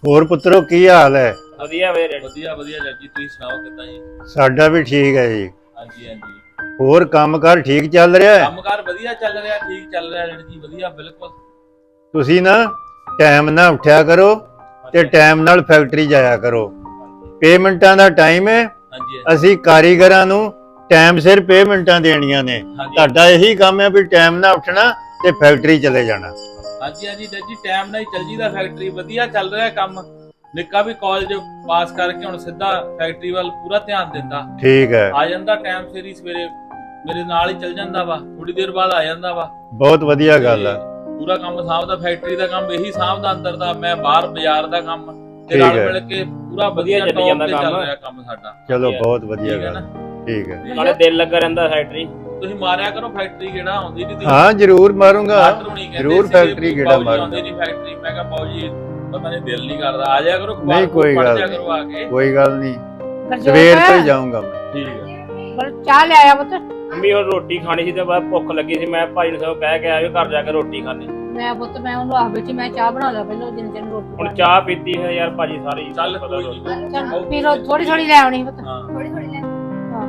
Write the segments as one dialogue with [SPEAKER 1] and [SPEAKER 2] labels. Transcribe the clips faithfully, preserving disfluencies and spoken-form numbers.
[SPEAKER 1] ਹੋਰ ਪੁੱਤਰੋ ਕੀ ਹਾਲ ਹੈ?
[SPEAKER 2] ਵਧੀਆ ਵੀਰੇ
[SPEAKER 3] ਵਧੀਆ ਵਧੀਆ ਜੱਜ ਜੀ, ਤੁਸੀਂ ਸੁਣਾਓ ਕਿੱਦਾਂ ਜੀ?
[SPEAKER 1] ਸਾਡਾ ਵੀ ਠੀਕ ਹੈ ਜੀ।
[SPEAKER 3] ਹਾਂਜੀ ਹਾਂਜੀ,
[SPEAKER 1] ਹੋਰ ਕੰਮਕਾਰ ਠੀਕ ਚੱਲ ਰਿਹਾ ਹੈ?
[SPEAKER 3] ਕੰਮਕਾਰ ਵਧੀਆ ਚੱਲ ਰਿਹਾ, ਠੀਕ ਚੱਲ ਰਿਹਾ ਜੱਜ ਜੀ, ਵਧੀਆ ਬਿਲਕੁਲ।
[SPEAKER 1] ਤੁਸੀਂ ਨਾ ਟਾਈਮ ਨਾਲ ਉੱਠਿਆ ਕਰੋ ਤੇ ਟਾਈਮ ਨਾਲ ਫੈਕਟਰੀ ਜਾਇਆ ਕਰੋ। ਪੇਮੈਂਟਾਂ ਦਾ ਟਾਈਮ ਹੈ,
[SPEAKER 3] ਹਾਂਜੀ
[SPEAKER 1] ਅਸੀਂ ਕਾਰੀਗਰਾਂ ਨੂੰ ਟਾਈਮ ਸਿਰ ਪੇਮੈਂਟਾਂ ਦੇਣੀਆਂ ਨੇ।
[SPEAKER 3] ਹਾਂਜੀ
[SPEAKER 1] ਤੁਹਾਡਾ ਇਹੀ ਕੰਮ ਹੈ ਵੀ ਟਾਈਮ ਨਾਲ ਉੱਠਣਾ ਤੇ ਫੈਕਟਰੀ ਚਲੇ ਜਾਣਾ।
[SPEAKER 3] ਹਾਂਜੀ ਹਾਂਜੀ ਜੱਜ ਜੀ, ਟਾਈਮ ਨਾਲ ਹੀ ਚੱਲ ਜੀਦਾ, ਫੈਕਟਰੀ ਵਧੀਆ ਚੱਲ ਰਿਹਾ ਕੰਮ। ਨਿੱਕਾ ਵੀ ਕਾਲਜ ਪਾਸ ਕਰਕੇ ਹੁਣ ਸਿੱਧਾ ਫੈਕਟਰੀ ਵੱਲ ਪੂਰਾ ਧਿਆਨ ਦਿੰਦਾ।
[SPEAKER 1] ਠੀਕ ਹੈ,
[SPEAKER 3] ਆ ਜਾਂਦਾ ਟਾਈਮ ਸਿਰ ਹੀ, ਸਵੇਰੇ ਮੇਰੇ ਨਾਲ ਹੀ ਚੱਲ ਜਾਂਦਾ ਵਾ, ਥੋੜੀ ਦੇਰ ਬਾਅਦ ਆ ਜਾਂਦਾ ਵਾ।
[SPEAKER 1] ਬਹੁਤ ਵਧੀਆ ਗੱਲ ਹੈ।
[SPEAKER 3] ਪੂਰਾ ਕੰਮ ਸਾਂਭਦਾ, ਫੈਕਟਰੀ ਦਾ ਕੰਮ ਇਹੀ ਸਾਂਭਦਾ, ਅੰਦਰ ਦਾ ਮੈਂ ਬਾਹਰ ਬਾਜ਼ਾਰ ਦਾ ਕੰਮ ਤੇ
[SPEAKER 1] ਠੀਕ
[SPEAKER 3] ਰਲ
[SPEAKER 1] ਹੈ।
[SPEAKER 3] ਮਿਲ ਕੇ ਪੂਰਾ ਵਧੀਆ
[SPEAKER 2] ਚੱਲੀ
[SPEAKER 3] ਟੌਪ
[SPEAKER 2] ਜਾਂਦਾ
[SPEAKER 3] ਤੇ ਚੱਲ
[SPEAKER 2] ਕੰਮ।
[SPEAKER 3] ਰਿਹਾ ਕੰਮ ਸਾਡਾ।
[SPEAKER 1] ਚਲੋ ਬਹੁਤ ਵਧੀਆ
[SPEAKER 3] ਠੀਕ ਹੈ
[SPEAKER 1] ਗੱਲ,
[SPEAKER 3] ਨਾ?
[SPEAKER 1] ਠੀਕ ਹੈ।
[SPEAKER 2] ਨਾਲੇ ਦਿਲ ਲੱਗਾ ਰਹਿੰਦਾ ਫੈਕਟਰੀ।
[SPEAKER 3] ਤੁਸੀਂ ਮਾਰਿਆ ਕਰੋ ਫੈਕਟਰੀ ਗੇੜਾ, ਆਉਂਦੀ ਨਹੀਂ?
[SPEAKER 1] ਹਾਂ ਜ਼ਰੂਰ ਮਾਰੂੰਗਾ,
[SPEAKER 3] ਮਾਸਟਰ ਹੁਣੀ ਕਹਿੰਦੇ
[SPEAKER 1] ਜ਼ਰੂਰ
[SPEAKER 3] ਸੀਗੇ
[SPEAKER 1] ਫੈਕਟਰੀ
[SPEAKER 3] ਵੀ
[SPEAKER 1] ਗੇੜਾ
[SPEAKER 3] ਬਾਊ ਜੀ
[SPEAKER 1] ਮਾਰੂੰਗਾ।
[SPEAKER 3] ਆਉਂਦੇ ਨਹੀਂ ਫੈਕਟਰੀ। ਮੈਂ ਕਿਹਾ ਬਾਊ ਜੀ ਪਤਾ ਨਹੀਂ ਦਿਲ ਨਹੀਂ ਕਰਦਾ, ਆ ਜਾਇਆ ਕਰੋ,
[SPEAKER 1] ਨਹੀਂ ਕੋਈ
[SPEAKER 3] ਪੜ੍ਹ
[SPEAKER 1] ਗੱਲ
[SPEAKER 3] ਜਾਇਆ ਕਰੋ ਆ ਕੇ।
[SPEAKER 1] ਨਹੀਂ, ਕੋਈ ਗੱਲ ਨਹੀਂ,
[SPEAKER 4] ਗਰਜੋਤ,
[SPEAKER 1] ਸਵੇਰ ਤੋਂ ਹੀ ਜਾਊਂਗਾ ਮੈਂ।
[SPEAKER 3] ਠੀਕ ਹੈ।
[SPEAKER 4] ਪਰ ਚਾਹ ਲੈ ਆਇਆ ਪੁੱਤ।
[SPEAKER 2] ਮੰਮੀ ਉਹ ਰੋਟੀ ਖਾਣੀ ਸੀ ਤੇ ਬਾਅਦ ਭੁੱਖ ਲੱਗੀ ਸੀ, ਮੈਂ ਭਾਈ ਨੂੰ ਸਭ ਕਹਿ ਕੇ ਆਇਓ ਘਰ ਜਾ ਕੇ ਰੋਟੀ ਖਾਣੀ।
[SPEAKER 4] ਮੈਂ ਪੁੱਤ ਮੈਂ ਉਹਨੂੰ ਆਖ ਬੈਠੀ ਮੈਂ ਚਾਹ ਬਣਾ ਲਾ ਪਹਿਲਾਂ ਜਿੰਨ ਜਿੰਨ ਰੋਟੀ
[SPEAKER 2] ਹੁਣ ਚਾਹ ਪੀਤੀ ਹੈ ਯਾਰ ਭਾਜੀ ਸਾਰੀ।
[SPEAKER 3] ਚੱਲ
[SPEAKER 2] ਪਤਾ
[SPEAKER 3] ਕੋਈ
[SPEAKER 2] ਰੋਟੀ।
[SPEAKER 3] ਨਹੀਂ।
[SPEAKER 4] ਚੱਲ ਪੀ ਲੋ, ਥੋੜੀ ਥੋੜੀ ਲੈ ਆਉਣੀ ਪੁੱਤ।
[SPEAKER 3] ਹਾਂ
[SPEAKER 4] ਥੋੜੀ ਥੋੜੀ ਲੈ ਹਾਂ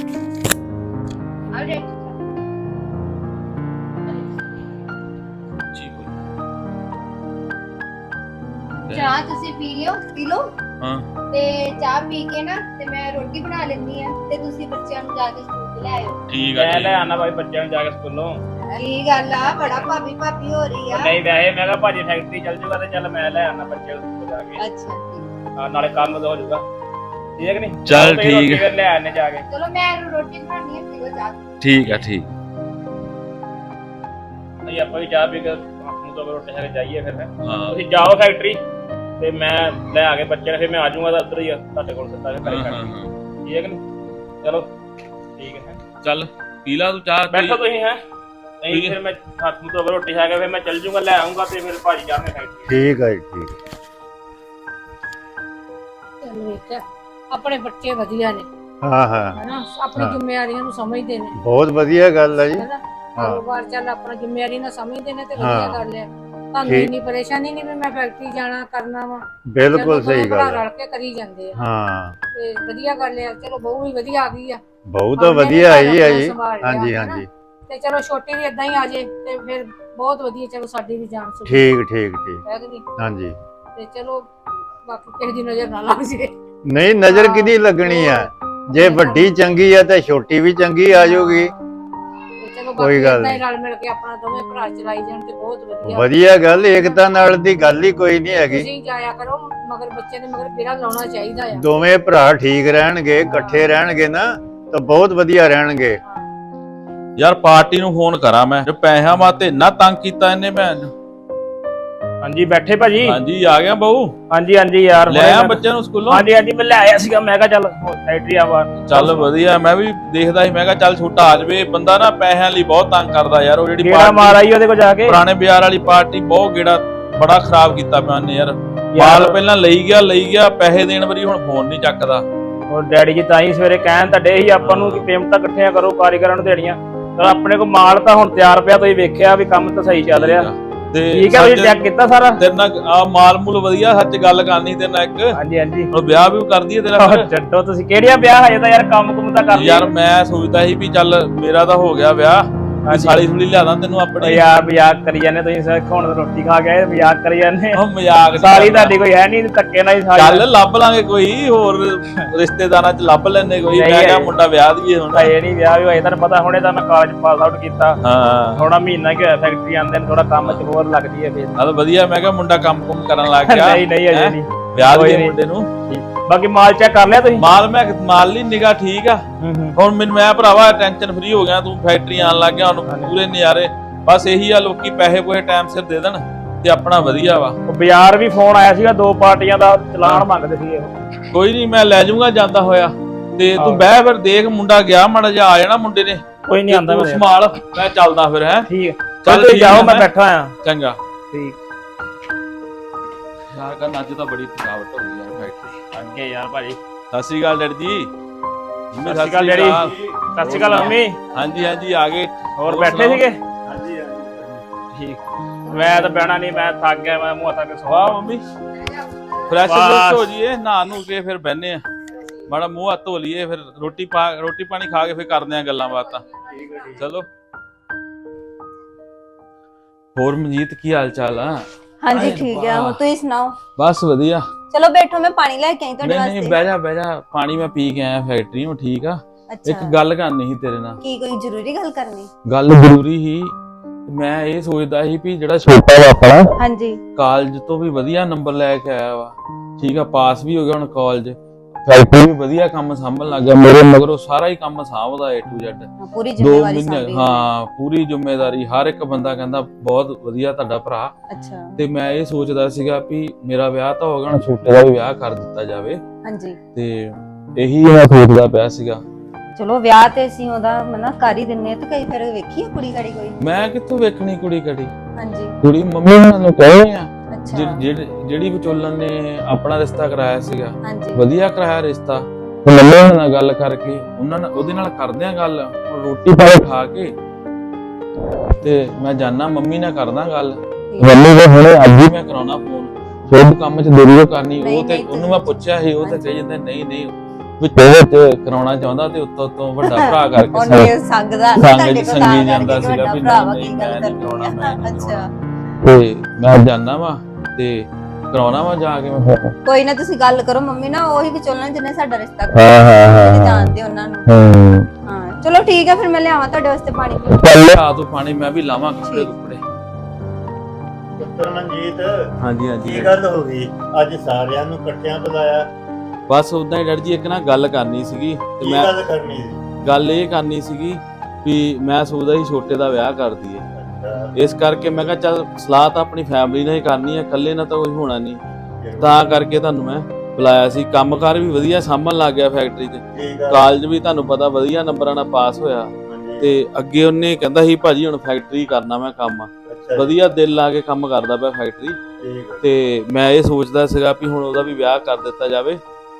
[SPEAKER 4] ਆ ਜਾ
[SPEAKER 3] ਠੀਕ ਹੋ।
[SPEAKER 5] ਚਾਹ ਤੁਸੀਂ ਪੀ ਲਿਓ, ਪੀ ਲਓ
[SPEAKER 3] ਹਾਂ
[SPEAKER 5] ਤੇ ਚਾਹ ਪੀ ਕੇ ਨਾ ਤੇ ਮੈਂ ਰੋਟੀ ਬਣਾ ਲੈਂਦੀ ਆ ਤੇ ਤੁਸੀਂ ਬੱਚਿਆਂ ਨੂੰ ਜਾ ਕੇ ਸਕੂਲ ਤੇ ਲੈ ਆਇਓ।
[SPEAKER 3] ਠੀਕ ਹੈ
[SPEAKER 2] ਮੈਂ
[SPEAKER 3] ਠੀਕ
[SPEAKER 2] ਲੈ
[SPEAKER 3] ਹੈ।
[SPEAKER 2] ਆਣਾ ਭਾਈ ਬੱਚਿਆਂ ਨੂੰ ਜਾ ਕੇ ਸਕੂਲੋਂ।
[SPEAKER 5] ਕੀ ਗੱਲ ਆ, ਬੜਾ ਭਾਬੀ ਭਾਬੀ ਹੋ ਰਹੀ ਆ।
[SPEAKER 2] ਨਹੀਂ ਵੈਸੇ ਮੈਂ ਕਿਹਾ ਭਾਜੀ ਫੈਕਟਰੀ ਚੱਲ ਜੂਗਾ ਤੇ ਚੱਲ ਮੈਂ ਲੈ ਆਣਾ ਬੱਚੇ ਨੂੰ ਸਕੂਲ ਜਾ ਕੇ।
[SPEAKER 5] ਅੱਛਾ ਠੀਕ।
[SPEAKER 2] ਹਾਂ, ਨਾਲੇ ਕੰਮ ਹੋ ਜਾਊਗਾ, ਠੀਕ ਹੈ ਕਿ ਨਹੀਂ?
[SPEAKER 3] ਚੱਲ
[SPEAKER 2] ਤੁਸੀਂ
[SPEAKER 3] ਠੀਕ
[SPEAKER 2] ਰੋਟੀ
[SPEAKER 3] ਹੈ।
[SPEAKER 2] ਫਿਰ ਲੈ ਆਣੇ ਜਾ ਕੇ।
[SPEAKER 5] ਚਲੋ ਮੈਂ ਰੋਟੀ ਬਣਾਉਣੀ ਆ, ਪੀਓ ਚਾਹ।
[SPEAKER 3] ਠੀਕ ਹੈ ਠੀਕ।
[SPEAKER 2] ਅਸੀਂ ਆਪਾਂ ਵੀ ਚਾਹ ਪੀ ਕੇ ਨੂੰ ਤੋਂ ਰੋਟੀ ਖਾ ਕੇ ਜਾਈਏ ਫਿਰ।
[SPEAKER 3] ਹਾਂ
[SPEAKER 2] ਤੁਸੀਂ ਜਾਓ ਫੈਕਟਰੀ ਤੇ ਮੈਂ ਲੈ ਆ ਕੇ ਬੱਚੇ ਨੇ, ਫਿਰ ਮੈਂ ਆ ਜਾਊਂਗਾ ਤਾਂ ਉੱਧਰ ਹੀ ਆ ਤੁਹਾਡੇ ਕੋਲ ਸਿੱਧਾ ਫਿਰ ਘਰੇ
[SPEAKER 3] ਹਾਂ
[SPEAKER 2] ਛੱਡ
[SPEAKER 3] ਹਾਂ
[SPEAKER 2] ਕੇ।
[SPEAKER 3] ਹਾਂ।
[SPEAKER 2] ਠੀਕ ਹੈ ਕਿ ਨਹੀਂ? ਚਲੋ ਠੀਕ ਹੈ।
[SPEAKER 3] ਚੱਲ ਪੀ ਲਾ ਤੂੰ ਚਾਹ।
[SPEAKER 2] ਬੈਠੋ ਤੁਸੀਂ ਹੈ ਨਹੀਂ
[SPEAKER 3] ਠੀਕ ਹੈ।
[SPEAKER 2] ਫਿਰ ਮੈਂ ਹੱਥ ਨੂੰ ਤੋਂ ਰੋਟੀ ਖਾ ਕੇ ਫਿਰ ਮੈਂ ਚੱਲ ਜੂੰਗਾ, ਲੈ ਆਉਂਗਾ ਤੇ ਫਿਰ ਭਾਜੀ ਜਾਣਗੇ ਫੈਕਟਰੀ।
[SPEAKER 1] ਠੀਕ ਹੈ ਜੀ, ਠੀਕ ਹੈ।
[SPEAKER 4] ਚੱਲ ਵੇਖ ਆਪਣੇ ਬੱਚੇ ਵਧੀਆ ਨੇ
[SPEAKER 1] ਹਾਂ ਹਾਂ,
[SPEAKER 4] ਹਨਾ, ਆਪਣੀ
[SPEAKER 1] ਹਾਂ।
[SPEAKER 4] ਜ਼ਿੰਮੇਵਾਰੀਆਂ ਨੂੰ ਸਮਝਦੇ ਨੇ
[SPEAKER 1] ਬਹੁਤ ਵਧੀਆ ਗੱਲ ਹੈ ਜੀ।
[SPEAKER 4] ਹਨਾ।
[SPEAKER 1] ਹਾਂ।
[SPEAKER 4] ਕਾਰੋਬਾਰ ਚੱਲ ਆਪਣਾ ਜ਼ਿੰਮੇਵਾਰੀ ਨਾਲ ਸਮਝਦੇ ਨੇ ਤੇ ਵਧੀਆ
[SPEAKER 1] ਹਾਂ।
[SPEAKER 4] ਗੱਲ ਹੈ। ਤੁਹਾਨੂੰ
[SPEAKER 1] ਠੀਕ।
[SPEAKER 4] ਇੰਨੀ ਪਰੇਸ਼ਾਨੀ ਨਹੀਂ ਵੀ ਮੈਂ ਫੈਕਟਰੀ ਜਾਣਾ ਕਰਨਾ ਵਾ।
[SPEAKER 1] ਬਿਲਕੁਲ ਸਹੀ ਗੱਲ ਹੈ।
[SPEAKER 4] ਰਲ ਕੇ ਕਰੀ ਜਾਂਦੇ ਆ
[SPEAKER 1] ਹਾਂ,
[SPEAKER 4] ਤੇ ਵਧੀਆ ਗੱਲ ਹੈ। ਚਲੋ ਬਹੂ ਵੀ ਵਧੀਆ ਆ ਗਈ ਆ।
[SPEAKER 1] ਬਹੁਤ
[SPEAKER 4] ਆਪਣੇ ਨੇ
[SPEAKER 1] ਵਧੀਆ
[SPEAKER 4] ਘਰ
[SPEAKER 1] ਆਈ ਹੈ
[SPEAKER 4] ਆਪਣਾ
[SPEAKER 1] ਜੀ।
[SPEAKER 4] ਸੰਭਾਲ ਲਿਆ,
[SPEAKER 1] ਹਾਂਜੀ
[SPEAKER 4] ਹਨਾ।
[SPEAKER 1] ਹਾਂਜੀ,
[SPEAKER 4] ਤੇ ਚਲੋ ਛੋਟੀ ਵੀ ਇਦਾਂ ਹੀ ਆ ਜੇ ਤੇ ਫਿਰ ਬਹੁਤ ਵਧੀਆ, ਚਲੋ ਸਾਡੀ ਵੀ ਜਾਨ ਸੁਣੀ
[SPEAKER 1] ਠੀਕ ਠੀਕ ਠੀਕ।
[SPEAKER 4] ਹੈ ਕਿ ਨਹੀਂ?
[SPEAKER 1] ਹਾਂਜੀ,
[SPEAKER 4] ਤੇ ਚਲੋ ਬਾਕੀ ਕਿਸੇ ਦੀ ਨਜ਼ਰ ਨਾ ਲੱਗ ਜੇ।
[SPEAKER 1] ਨਹੀਂ ਨਜ਼ਰ
[SPEAKER 4] ਹਾਂ,
[SPEAKER 1] ਕਿਹਦੀ ਲੱਗਣੀ ਆ?
[SPEAKER 4] ਹੋਰ।
[SPEAKER 1] ਜੇ ਵੱਡੀ ਚੰਗੀ ਆ ਤੇ ਛੋਟੀ ਵੀ ਚੰਗੀ ਆ ਜਾਊਗੀ।
[SPEAKER 4] ਤੇ ਚਲੋ
[SPEAKER 1] ਕੋਈ
[SPEAKER 4] ਬਾਕੀ
[SPEAKER 1] ਗੱਲ
[SPEAKER 4] ਏਦਾਂ ਹੀ
[SPEAKER 1] ਨਹੀਂ।
[SPEAKER 4] ਰਲ ਮਿਲ ਕੇ ਆਪਣਾ ਦੋਵੇਂ ਭਰਾ ਚਲਾਈ ਜਾਣ ਤੇ ਬਹੁਤ ਵਧੀਆ।
[SPEAKER 1] ਵਧੀਆ ਗੱਲ, ਏਕਤਾ ਨਾਲ ਦੀ ਗੱਲ ਹੀ ਕੋਈ ਨਹੀਂ ਹੈਗੀ।
[SPEAKER 4] ਤੁਸੀਂ ਜਾਇਆ ਕਰੋ ਮਗਰ ਬੱਚੇ ਦੇ ਮਗਰ ਕਿਹੜਾ ਲਾਉਣਾ ਚਾਹੀਦਾ ਆ।
[SPEAKER 1] ਦੋਵੇਂ ਭਰਾ ਠੀਕ ਰਹਿਣਗੇ, ਇਕੱਠੇ ਰਹਿਣਗੇ ਨਾ ਤਾਂ ਬਹੁਤ ਵਧੀਆ ਰਹਿਣਗੇ।
[SPEAKER 3] ਯਾਰ ਪਾਰਟੀ ਨੂੰ ਫੋਨ ਕਰਾਂ ਮੈਂ, ਜੋ ਪੈਸਿਆਂ ਵਾਸਤੇ ਇੰਨਾ ਤੰਗ ਕੀਤਾ ਇਹਨੇ ਭੈਣ।
[SPEAKER 2] ਹਾਂਜੀ ਬੈਠੇ ਭਾਜੀ।
[SPEAKER 3] ਹਾਂਜੀ ਆ ਗਿਆ ਬਾਊ।
[SPEAKER 2] ਹਾਂਜੀ ਹਾਂਜੀ ਯਾਰ
[SPEAKER 3] ਲੈ ਆ ਬੱਚਿਆਂ ਨੂੰ ਸਕੂਲੋਂ।
[SPEAKER 2] ਹਾਂਜੀ ਹਾਂਜੀ ਮੈਂ ਲੈ ਆਇਆ ਸੀਗਾ, ਮੈਂ ਕਿਹਾ ਚੱਲ ਫੈਕਟਰੀ ਆ ਬਾਹਰ।
[SPEAKER 3] ਚੱਲ ਵਧੀਆ, ਮੈਂ ਵੀ ਦੇਖਦਾ ਸੀ, ਮੈਂ ਕਿਹਾ ਚੱਲ ਛੋਟਾ ਆ ਜਾਵੇ। ਬੰਦਾ ਨਾ ਪੈਸਿਆਂ ਲਈ ਬਹੁਤ ਤੰਗ ਕਰਦਾ ਯਾਰ। ਉਹ ਜਿਹੜੀ
[SPEAKER 2] ਗੇੜਾ ਮਾਰ ਆਈ ਉਹਦੇ ਕੋਲ ਜਾ ਕੇ।
[SPEAKER 3] ਪੁਰਾਣੇ ਬਾਜ਼ਾਰ ਵਾਲੀ ਪਾਰਟੀ ਬਹੁਤ ਗੇੜਾ ਬੜਾ ਖਰਾਬ ਕੀਤਾ ਪਿਆ ਉਹਨੇ ਯਾਰ। ਮਾਲ ਪਹਿਲਾਂ ਲਈ ਗਿਆ ਲਈ ਗਿਆ, ਪੈਸੇ ਦੇਣ ਵਾਰੀ ਹੁਣ ਫੋਨ ਨਹੀਂ ਚੱਕਦਾ।
[SPEAKER 2] ਉਹ ਡੈਡੀ ਜੀ ਤਾਂ ਹੀ ਸਵੇਰੇ ਕਹਿਣ ਤੁਹਾਡੇ ਹੀ ਆਪਾਂ ਨੂੰ ਕਿ ਪੇਮੈਂਟਾਂ ਇਕੱਠੀਆਂ ਕਰੋ, ਕਾਰੀਗਰਾਂ ਨੂੰ ਦੇਣੀਆਂ। ਤਾਂ ਆਪਣੇ ਕੋਲ ਮਾਲ ਤਾਂ ਹੁਣ ਤਿਆਰ ਪਿਆ, ਤੁਸੀਂ ਵੇਖਿਆ ਵੀ ਕੰਮ ਤਾਂ ਸਹੀ ਚੱਲ ਰਿਹਾ।
[SPEAKER 3] ਤੇ
[SPEAKER 2] ਠੀਕ ਹੈ, ਤੁਸੀਂ ਚੈੱਕ ਕੀਤਾ ਸਾਰਾ?
[SPEAKER 3] ਤੇਰੇ ਨਾਲ ਆ ਮਾਲ ਮੂਲ ਵਧੀਆ, ਸੱਚ ਗੱਲ ਕਰਨੀ ਤੇਰੇ ਨਾਲ ਇੱਕ।
[SPEAKER 2] ਹਾਂਜੀ ਹਾਂਜੀ।
[SPEAKER 3] ਹੁਣ ਵਿਆਹ ਵੀ ਕਰਦੀ ਹੈ ਤੇਰਾ ਫਿਰ?
[SPEAKER 2] ਛੱਡੋ ਤੁਸੀਂ, ਕਿਹੜੀਆਂ ਵਿਆਹ ਹਜੇ ਤਾਂ ਯਾਰ ਕੰਮ ਕੁਮ ਤਾਂ ਕਰ ਲਈ।
[SPEAKER 3] ਯਾਰ ਮੈਂ ਸੋਚਦਾ ਸੀ ਵੀ ਚੱਲ ਮੇਰਾ ਤਾਂ ਹੋ ਗਿਆ ਵਿਆਹ, ਸਾਲੀ ਸੁਲੀ ਲਿਆਦਾ ਤੈਨੂੰ ਆਪਣੀ।
[SPEAKER 2] ਯਾਰ ਮਜ਼ਾਕ ਕਰੀ ਜਾਂਦੇ ਤੁਸੀਂ, ਸਰ ਹੁਣ ਰੋਟੀ ਖਾ ਕੇ ਮਜ਼ਾਕ ਕਰੀ ਜਾਂਦੇ।
[SPEAKER 3] ਉਹ ਮਜ਼ਾਕ
[SPEAKER 2] ਸਾਲੀ ਤੁਹਾਡੀ ਕੋਈ ਹੈ ਨਹੀਂ, ਧੱਕੇ ਨਾਲ ਹੀ ਸਾਲੀ।
[SPEAKER 3] ਚੱਲ ਲੱਭ ਲਾਂਗੇ ਕੋਈ ਹੋਰ ਰਿਸ਼ਤੇਦਾਰਾਂ ਚ ਲੱਭ ਲੈਣੇ ਕੋਈ।
[SPEAKER 2] ਨਹੀਂ
[SPEAKER 3] ਮੈਂ ਕਿਹਾ
[SPEAKER 2] ਹੈ।
[SPEAKER 3] ਮੁੰਡਾ ਵਿਆਹ ਦੀਏ ਹੁਣ।
[SPEAKER 2] ਇਹ ਨਹੀਂ ਵਿਆਹ ਵੀ ਹੋਏ, ਤੁਹਾਨੂੰ ਪਤਾ ਹੁਣੇ ਤਾਂ ਮੈਂ ਕਾਲਜ ਪਾਸ ਆਊਟ ਕੀਤਾ।
[SPEAKER 3] ਹਾਂ
[SPEAKER 2] ਥੋੜਾ ਮਹੀਨਾ ਕਿ ਹੋਇਆ ਫੈਕਟਰੀ ਆਂਦੇ ਨੂੰ, ਥੋੜਾ ਕੰਮ ਚ ਹੋਰ ਲੱਗਦੀ ਹੈ ਫਿਰ।
[SPEAKER 3] ਚੱਲ ਵਧੀਆ, ਮੈਂ ਕਿਹਾ ਮੁੰਡਾ ਕੰਮ ਕੁਮ ਕਰਨ ਲੱਗ ਗਿਆ।
[SPEAKER 2] ਨਹੀਂ ਨਹੀਂ ਅਜੇ ਨਹੀਂ।
[SPEAKER 3] ਵਿਆਹ
[SPEAKER 2] ਕੋਈ
[SPEAKER 3] ਦੀਏ
[SPEAKER 2] ਨਹੀਂ।
[SPEAKER 3] ਮੁੰਡੇ ਨੂੰ।
[SPEAKER 2] ਬਾਕੀ ਮਾਲ ਚੈੱਕ ਕਰ ਲਿਆ ਤੁਸੀਂ?
[SPEAKER 3] ਮਾਲ ਮੈਂ ਮਾਲ ਲਈ ਨਿਗਾ ਠੀਕ ਆ। ਹੁਣ ਮੈਨੂੰ ਮੈਂ ਭਰਾਵਾ ਟੈਨਸ਼ਨ ਫਰੀ ਹੋ ਗਿਆ, ਤੂੰ ਫੈਕਟਰੀ ਆਣ ਲੱਗ ਗਿਆ, ਹੁਣ ਪੂਰੇ ਨਜ਼ਾਰੇ। ਬਸ ਇਹੀ ਆ, ਲੋਕੀ ਪੈਸੇ ਪੂਸੇ ਟਾਈਮ ਸਿਰ ਦੇ ਦੇਣ ਤੇ ਆਪਣਾ ਵਧੀਆ ਵਾ।
[SPEAKER 2] ਉਹ ਬਾਜ਼ਾਰ ਵੀ ਫੋਨ ਆਇਆ ਸੀਗਾ, ਦੋ ਪਾਰਟੀਆਂ ਦਾ ਚਲਾਨ ਮੰਗਦੇ ਸੀ ਇਹ।
[SPEAKER 3] ਕੋਈ ਨਹੀਂ, ਮੈਂ ਲੈ ਜਾਊਂਗਾ ਜਾਂਦਾ ਹੋਇਆ। ਤੇ ਤੂੰ ਬਹਿ ਫਿਰ, ਦੇਖ ਮੁੰਡਾ ਗਿਆ ਮਾੜਾ ਜਿਹਾ, ਆ ਜਾਣਾ ਮੁੰਡੇ ਨੇ।
[SPEAKER 2] ਕੋਈ ਨਹੀਂ ਆਂਦਾ
[SPEAKER 3] ਤੂੰ
[SPEAKER 2] ਮੇਰੇ।
[SPEAKER 3] ਸੰਭਾਲ, ਮੈਂ ਚੱਲਦਾ ਫਿਰ। ਹੈ
[SPEAKER 2] ਠੀਕ ਹੈ,
[SPEAKER 3] ਚੱਲ
[SPEAKER 2] ਚੱਲ ਤੁਸੀਂ
[SPEAKER 3] ਠੀਕ
[SPEAKER 2] ਜਾਓ,
[SPEAKER 3] ਹੈ,
[SPEAKER 2] ਮੈਂ
[SPEAKER 3] ਹੈਂ?
[SPEAKER 2] ਬੈਠਾ ਆ।
[SPEAKER 3] ਚੰਗਾ।
[SPEAKER 2] ਠੀਕ।
[SPEAKER 3] ਯਾਰ ਕੱਲ ਅੱਜ ਤਾਂ ਬੜੀ ਥਕਾਵਟ ਹੋ ਗਈ ਯਾਰ ਫੈਕਟਰੀ।
[SPEAKER 2] ਅੱਗੇ ਯਾਰ ਭਾਜੀ।
[SPEAKER 3] ਸਤਿ ਸ਼੍ਰੀ ਅਕਾਲ ਡੈਡੀ ਜੀ। ਮੰਮੀ
[SPEAKER 2] ਸਤਿ ਸ਼੍ਰੀ ਅਕਾਲ ਡੈਡੀ। ਸਤਿ ਸ਼੍ਰੀ ਅਕਾਲ ਮੰਮੀ।
[SPEAKER 3] ਹਾਂਜੀ ਹਾਂਜੀ ਆ ਗਏ।
[SPEAKER 2] ਹੋਰ
[SPEAKER 3] ਹੋਰ
[SPEAKER 2] ਬੈਠੇ
[SPEAKER 3] ਸੁਣਾਓ?
[SPEAKER 2] ਸੀਗੇ? ਠੀਕ। ਮੈਂ ਤਾਂ ਬਹਿਣਾ ਨਹੀਂ, ਮੈਂ ਥੱਕ ਗਿਆ, ਮੈਂ ਮੂੰਹ ਥੱਕ ਕੇ ਸੌਂ
[SPEAKER 3] ਵਾਹ
[SPEAKER 2] ਗਿਆ।
[SPEAKER 3] ਮੰਮੀ। ਫਰੈਸ਼
[SPEAKER 1] ਬਸ।
[SPEAKER 3] ਹੋ ਜਾਈਏ, ਨਹਾ ਨੂੰ ਕੇ ਫਿਰ ਬਹਿਨੇ ਆ, ਮਾੜਾ ਮੂੰਹ ਹੱਥ ਧੋ ਲਈਏ, ਫਿਰ ਰੋਟੀ ਪਾ ਰੋਟੀ ਪਾਣੀ ਖਾ ਕੇ ਫਿਰ ਕਰਦੇ ਆ ਗੱਲਾਂ ਬਾਤਾਂ। ਚਲੋ ਹੋਰ ਮਨਜੀਤ ਕੀ ਹਾਲ ਚਾਲ ਆ?
[SPEAKER 6] ਹਾਂਜੀ ਠੀਕ ਆ। ਹੁਣ ਤੁਸੀਂ ਸੁਣਾਓ?
[SPEAKER 3] ਬਸ ਵਧੀਆ।
[SPEAKER 6] ਚਲੋ ਬੈਠੋ, ਮੈਂ ਪਾਣੀ ਲੈ ਕੇ ਆਈ ਤੁਹਾਡੇ
[SPEAKER 3] ਨਹੀਂ ਨਹੀਂ
[SPEAKER 6] ਵਾਸਤੇ।
[SPEAKER 3] ਬਹਿ ਜਾ ਬਹਿ ਜਾ, ਪਾਣੀ ਮੈਂ ਪੀ ਕੇ ਆਇਆ ਫੈਕਟਰੀ ਨੂੰ। ਠੀਕ ਆ, ਇੱਕ
[SPEAKER 6] ਅੱਛਾ,
[SPEAKER 3] ਗੱਲ ਕਰਨੀ ਸੀ ਤੇਰੇ ਨਾਲ।
[SPEAKER 6] ਕੀ ਕੋਈ ਜ਼ਰੂਰੀ ਗੱਲ ਕਰਨੀ?
[SPEAKER 3] ਗੱਲ ਜ਼ਰੂਰੀ ਸੀ, ਮੈਂ ਇਹ ਸੋਚਦਾ ਸੀ ਵੀ ਜਿਹੜਾ ਛੋਟਾ ਵਾ ਆਪਣਾ
[SPEAKER 6] ਹਾਂਜੀ
[SPEAKER 3] ਕਾਲਜ ਤੋਂ ਵੀ ਵਧੀਆ ਨੰਬਰ ਲੈ ਕੇ ਆਇਆ ਵਾ, ਠੀਕ ਆ, ਪਾਸ ਵੀ ਹੋ ਗਿਆ ਹੁਣ ਕਾਲਜ, ਫੈਕਟਰੀ ਵੀ ਵਧੀਆ ਕੰਮ ਸੰਭਲਣ ਲੱਗ ਗਿਆ, ਮੇਰੇ ਮਗਰੋਂ ਸਾਰਾ ਹੀ ਕੰਮ ਸਾਂਭਦਾ ਏ ਟੂ ਜ਼ੈਡ।
[SPEAKER 6] ਪੂਰੀ
[SPEAKER 3] ਦੋ
[SPEAKER 6] ਜ਼ਿੰਮੇਵਾਰੀ
[SPEAKER 3] ਮਹੀਨੇ
[SPEAKER 6] ਸਾਂਭੀ।
[SPEAKER 3] ਹਾਂ ਪੂਰੀ ਜ਼ਿੰਮੇਵਾਰੀ, ਹਰ ਇੱਕ ਬੰਦਾ ਕਹਿੰਦਾ ਬਹੁਤ ਵਧੀਆ ਤੁਹਾਡਾ ਭਰਾ।
[SPEAKER 6] ਅੱਛਾ
[SPEAKER 3] ਤੇ ਮੈਂ ਇਹ ਸੋਚਦਾ ਸੀਗਾ ਵੀ ਮੇਰਾ ਵਿਆਹ ਤਾਂ ਹੋ ਗਿਆ, ਹੁਣ ਛੋਟੇ ਦਾ ਵੀ ਵਿਆਹ ਕਰ ਦਿੱਤਾ ਜਾਵੇ,
[SPEAKER 6] ਹਾਂਜੀ।
[SPEAKER 3] ਤੇ ਇਹੀ ਮੈਂ ਸੋਚਦਾ ਪਿਆ ਸੀਗਾ।
[SPEAKER 6] ਚਲੋ ਵਿਆਹ ਤੇ ਅਸੀਂ ਉਹਦਾ ਮਨਾ ਕਰ ਹੀ ਦਿੰਨੇ ਆ, ਤੇ ਕਈ ਫਿਰ ਵੇਖੀ ਆ ਕੁੜੀ ਕਾੜੀ ਕੋਈ?
[SPEAKER 3] ਮੈਂ ਕਿੱਥੋਂ ਵੇਖਣੀ ਕੁੜੀ ਕੜੀ?
[SPEAKER 6] ਹਾਂਜੀ
[SPEAKER 3] ਕੁੜੀ ਮੰਮੀ ਉਹਨਾਂ ਨੂੰ ਕਹੇ ਆ,
[SPEAKER 6] ਅੱਛਾ
[SPEAKER 3] ਜਿਹੜੀ ਜਿਹੜੀ ਵਿਚੋਲਨ ਨੇ ਆਪਣਾ ਰਿਸ਼ਤਾ ਕਰਾਇਆ ਸੀਗਾ,
[SPEAKER 6] ਹਾਂਜੀ
[SPEAKER 3] ਵਧੀਆ ਕਰਾਇਆ ਰਿਸ਼ਤਾ, ਤੇ ਮੰਮੀ ਉਹਨਾਂ ਨਾਲ ਗੱਲ ਕਰਕੇ ਉਹਨਾਂ ਨਾਲ ਉਹਦੇ ਨਾਲ ਕਰਦੇ ਆ ਗੱਲ, ਹੁਣ ਰੋਟੀ ਪਾਣੀ ਖਾ ਕੇ ਤੇ ਮੈਂ ਜਾਣਾ ਮੰਮੀ ਨਾਲ ਕਰਦਾ ਗੱਲ। ਮੰਮੀ ਦੇ ਹੁਣੇ ਅੱਜ ਹੀ ਮੈਂ ਕਰਾਉਣਾ ਫੋਨ, ਸ਼ੁਭ ਕੰਮ 'ਚ ਦੇਰੀ ਕਿਉਂ ਕਰਨੀ? ਉਹ ਤੇ ਉਹਨੂੰ ਮੈਂ ਪੁੱਛਿਆ ਸੀ, ਉਹ ਤੇ ਕਹੀ ਜਾਂਦਾ ਨਹੀਂ ਨਹੀਂ ਵਿੱਚੋਂ ਵਿੱਚ ਕਰਾਉਣਾ ਚਾਹੁੰਦਾ, ਤੇ ਉੱਤੋਂ ਤੋਂ ਵੱਡਾ ਭਰਾ ਕਰਕੇ
[SPEAKER 6] ਉਹਨੇ ਸੰਗਦਾ
[SPEAKER 3] ਸੰਗ ਚ ਸੰਗੀ ਜਾਂਦਾ ਸੀਗਾ ਵੀ ਨਹੀਂ ਨਹੀਂ ਮੈਂ ਨਹੀਂ ਕਰਾਉਣਾ, ਮੈਂ ਨਹੀਂ
[SPEAKER 6] ਅੱਛਾ
[SPEAKER 3] ਤੇ ਮੈਂ ਜਾਣਾ ਵਾ ਤੇ ਕਰਾਉਣਾ ਵਾ ਜਾ ਕੇ ਮੈਂ।
[SPEAKER 6] ਕੋਈ ਨਾ, ਤੁਸੀਂ ਗੱਲ ਕਰੋ ਮੰਮੀ ਨਾਲ, ਉਹੀ ਵਿਚੋਲਣ ਜਿਹਨੇ ਸਾਡਾ ਰਿਸ਼ਤਾ
[SPEAKER 3] ਹਾਂ
[SPEAKER 6] ਕਰਾਇਆ,
[SPEAKER 3] ਹਾਂ
[SPEAKER 6] ਤੁਸੀਂ ਜਾਣਦੇ ਉਹਨਾਂ ਨੂੰ।
[SPEAKER 3] ਹਾਂ
[SPEAKER 6] ਹਾਂ ਚਲੋ ਠੀਕ ਹੈ, ਫਿਰ ਮੈਂ ਲਿਆਵਾਂ ਤੁਹਾਡੇ ਵਾਸਤੇ ਪਾਣੀ।
[SPEAKER 3] ਚੱਲ ਆ ਤੂੰ ਪਾਣੀ, ਮੈਂ ਵੀ ਲਾਵਾਂ ਕੱਪੜੇ ਕੁੱਪੜੇ।
[SPEAKER 1] ਪੁੱਤਰ ਮਨਜੀਤ,
[SPEAKER 3] ਹਾਂਜੀ ਹਾਂਜੀ
[SPEAKER 1] ਕੀ ਗੱਲ ਹੋ ਗਈ ਅੱਜ ਸਾਰਿਆਂ ਨੂੰ ਇਕੱਠਿਆਂ ਬੁਲਾਇਆ?
[SPEAKER 3] ਬਸ ਉਦਾਂ ਹੀ ਡੈਡੀ ਜੀ ਇੱਕ ਨਾ ਗੱਲ ਕਰਨੀ ਸੀਗੀ, ਤੇ
[SPEAKER 1] ਕੀ
[SPEAKER 3] ਮੈਂ
[SPEAKER 1] ਗੱਲ ਕਰਨੀ ਸੀ?
[SPEAKER 3] ਗੱਲ ਇਹ ਕਰਨੀ ਸੀਗੀ ਵੀ ਮੈਂ ਸੋਚਦਾ ਸੀ ਛੋਟੇ ਦਾ ਵਿਆਹ ਕਰ ਦਈਏ,
[SPEAKER 1] ਅੱਛਾ,
[SPEAKER 3] ਇਸ ਕਰਕੇ ਮੈਂ ਕਿਹਾ ਚੱਲ ਸਲਾਹ ਤਾਂ ਆਪਣੀ ਫੈਮਿਲੀ ਨਾਲ ਹੀ ਕਰਨੀ ਹੈ, ਇਕੱਲੇ ਨਾਲ ਤਾਂ ਕੋਈ ਹੋਣਾ ਨਹੀਂ, ਤਾਂ ਕਰਕੇ ਤੁਹਾਨੂੰ ਮੈਂ ਬੁਲਾਇਆ ਸੀ। ਕੰਮਕਾਰ ਵੀ ਵਧੀਆ ਸਾਂਭਣ ਲੱਗ ਗਿਆ ਫੈਕਟਰੀ 'ਚ,
[SPEAKER 1] ਠੀਕ ਆ।
[SPEAKER 3] ਕਾਲਜ ਵੀ ਤੁਹਾਨੂੰ ਪਤਾ ਵਧੀਆ ਨੰਬਰਾਂ ਨਾਲ ਪਾਸ ਹੋਇਆ,
[SPEAKER 1] ਹਾਂਜੀ,
[SPEAKER 3] ਤੇ ਅੱਗੇ ਉਹਨੇ ਕਹਿੰਦਾ ਸੀ ਭਾਜੀ ਹੁਣ ਫੈਕਟਰੀ ਕਰਨਾ ਮੈਂ ਕੰਮ,
[SPEAKER 1] ਅੱਛਾ ਜੀ,
[SPEAKER 3] ਵਧੀਆ ਦਿਲ ਲਾ ਕੇ ਕੰਮ ਕਰਦਾ ਪਿਆ ਫੈਕਟਰੀ,
[SPEAKER 1] ਠੀਕ ਆ।
[SPEAKER 3] ਤੇ ਮੈਂ ਇਹ ਸੋਚਦਾ ਸੀਗਾ ਵੀ ਹੁਣ ਉਹਦਾ ਵੀ ਵਿਆਹ ਕਰ ਦਿੱਤਾ ਜਾਵੇ,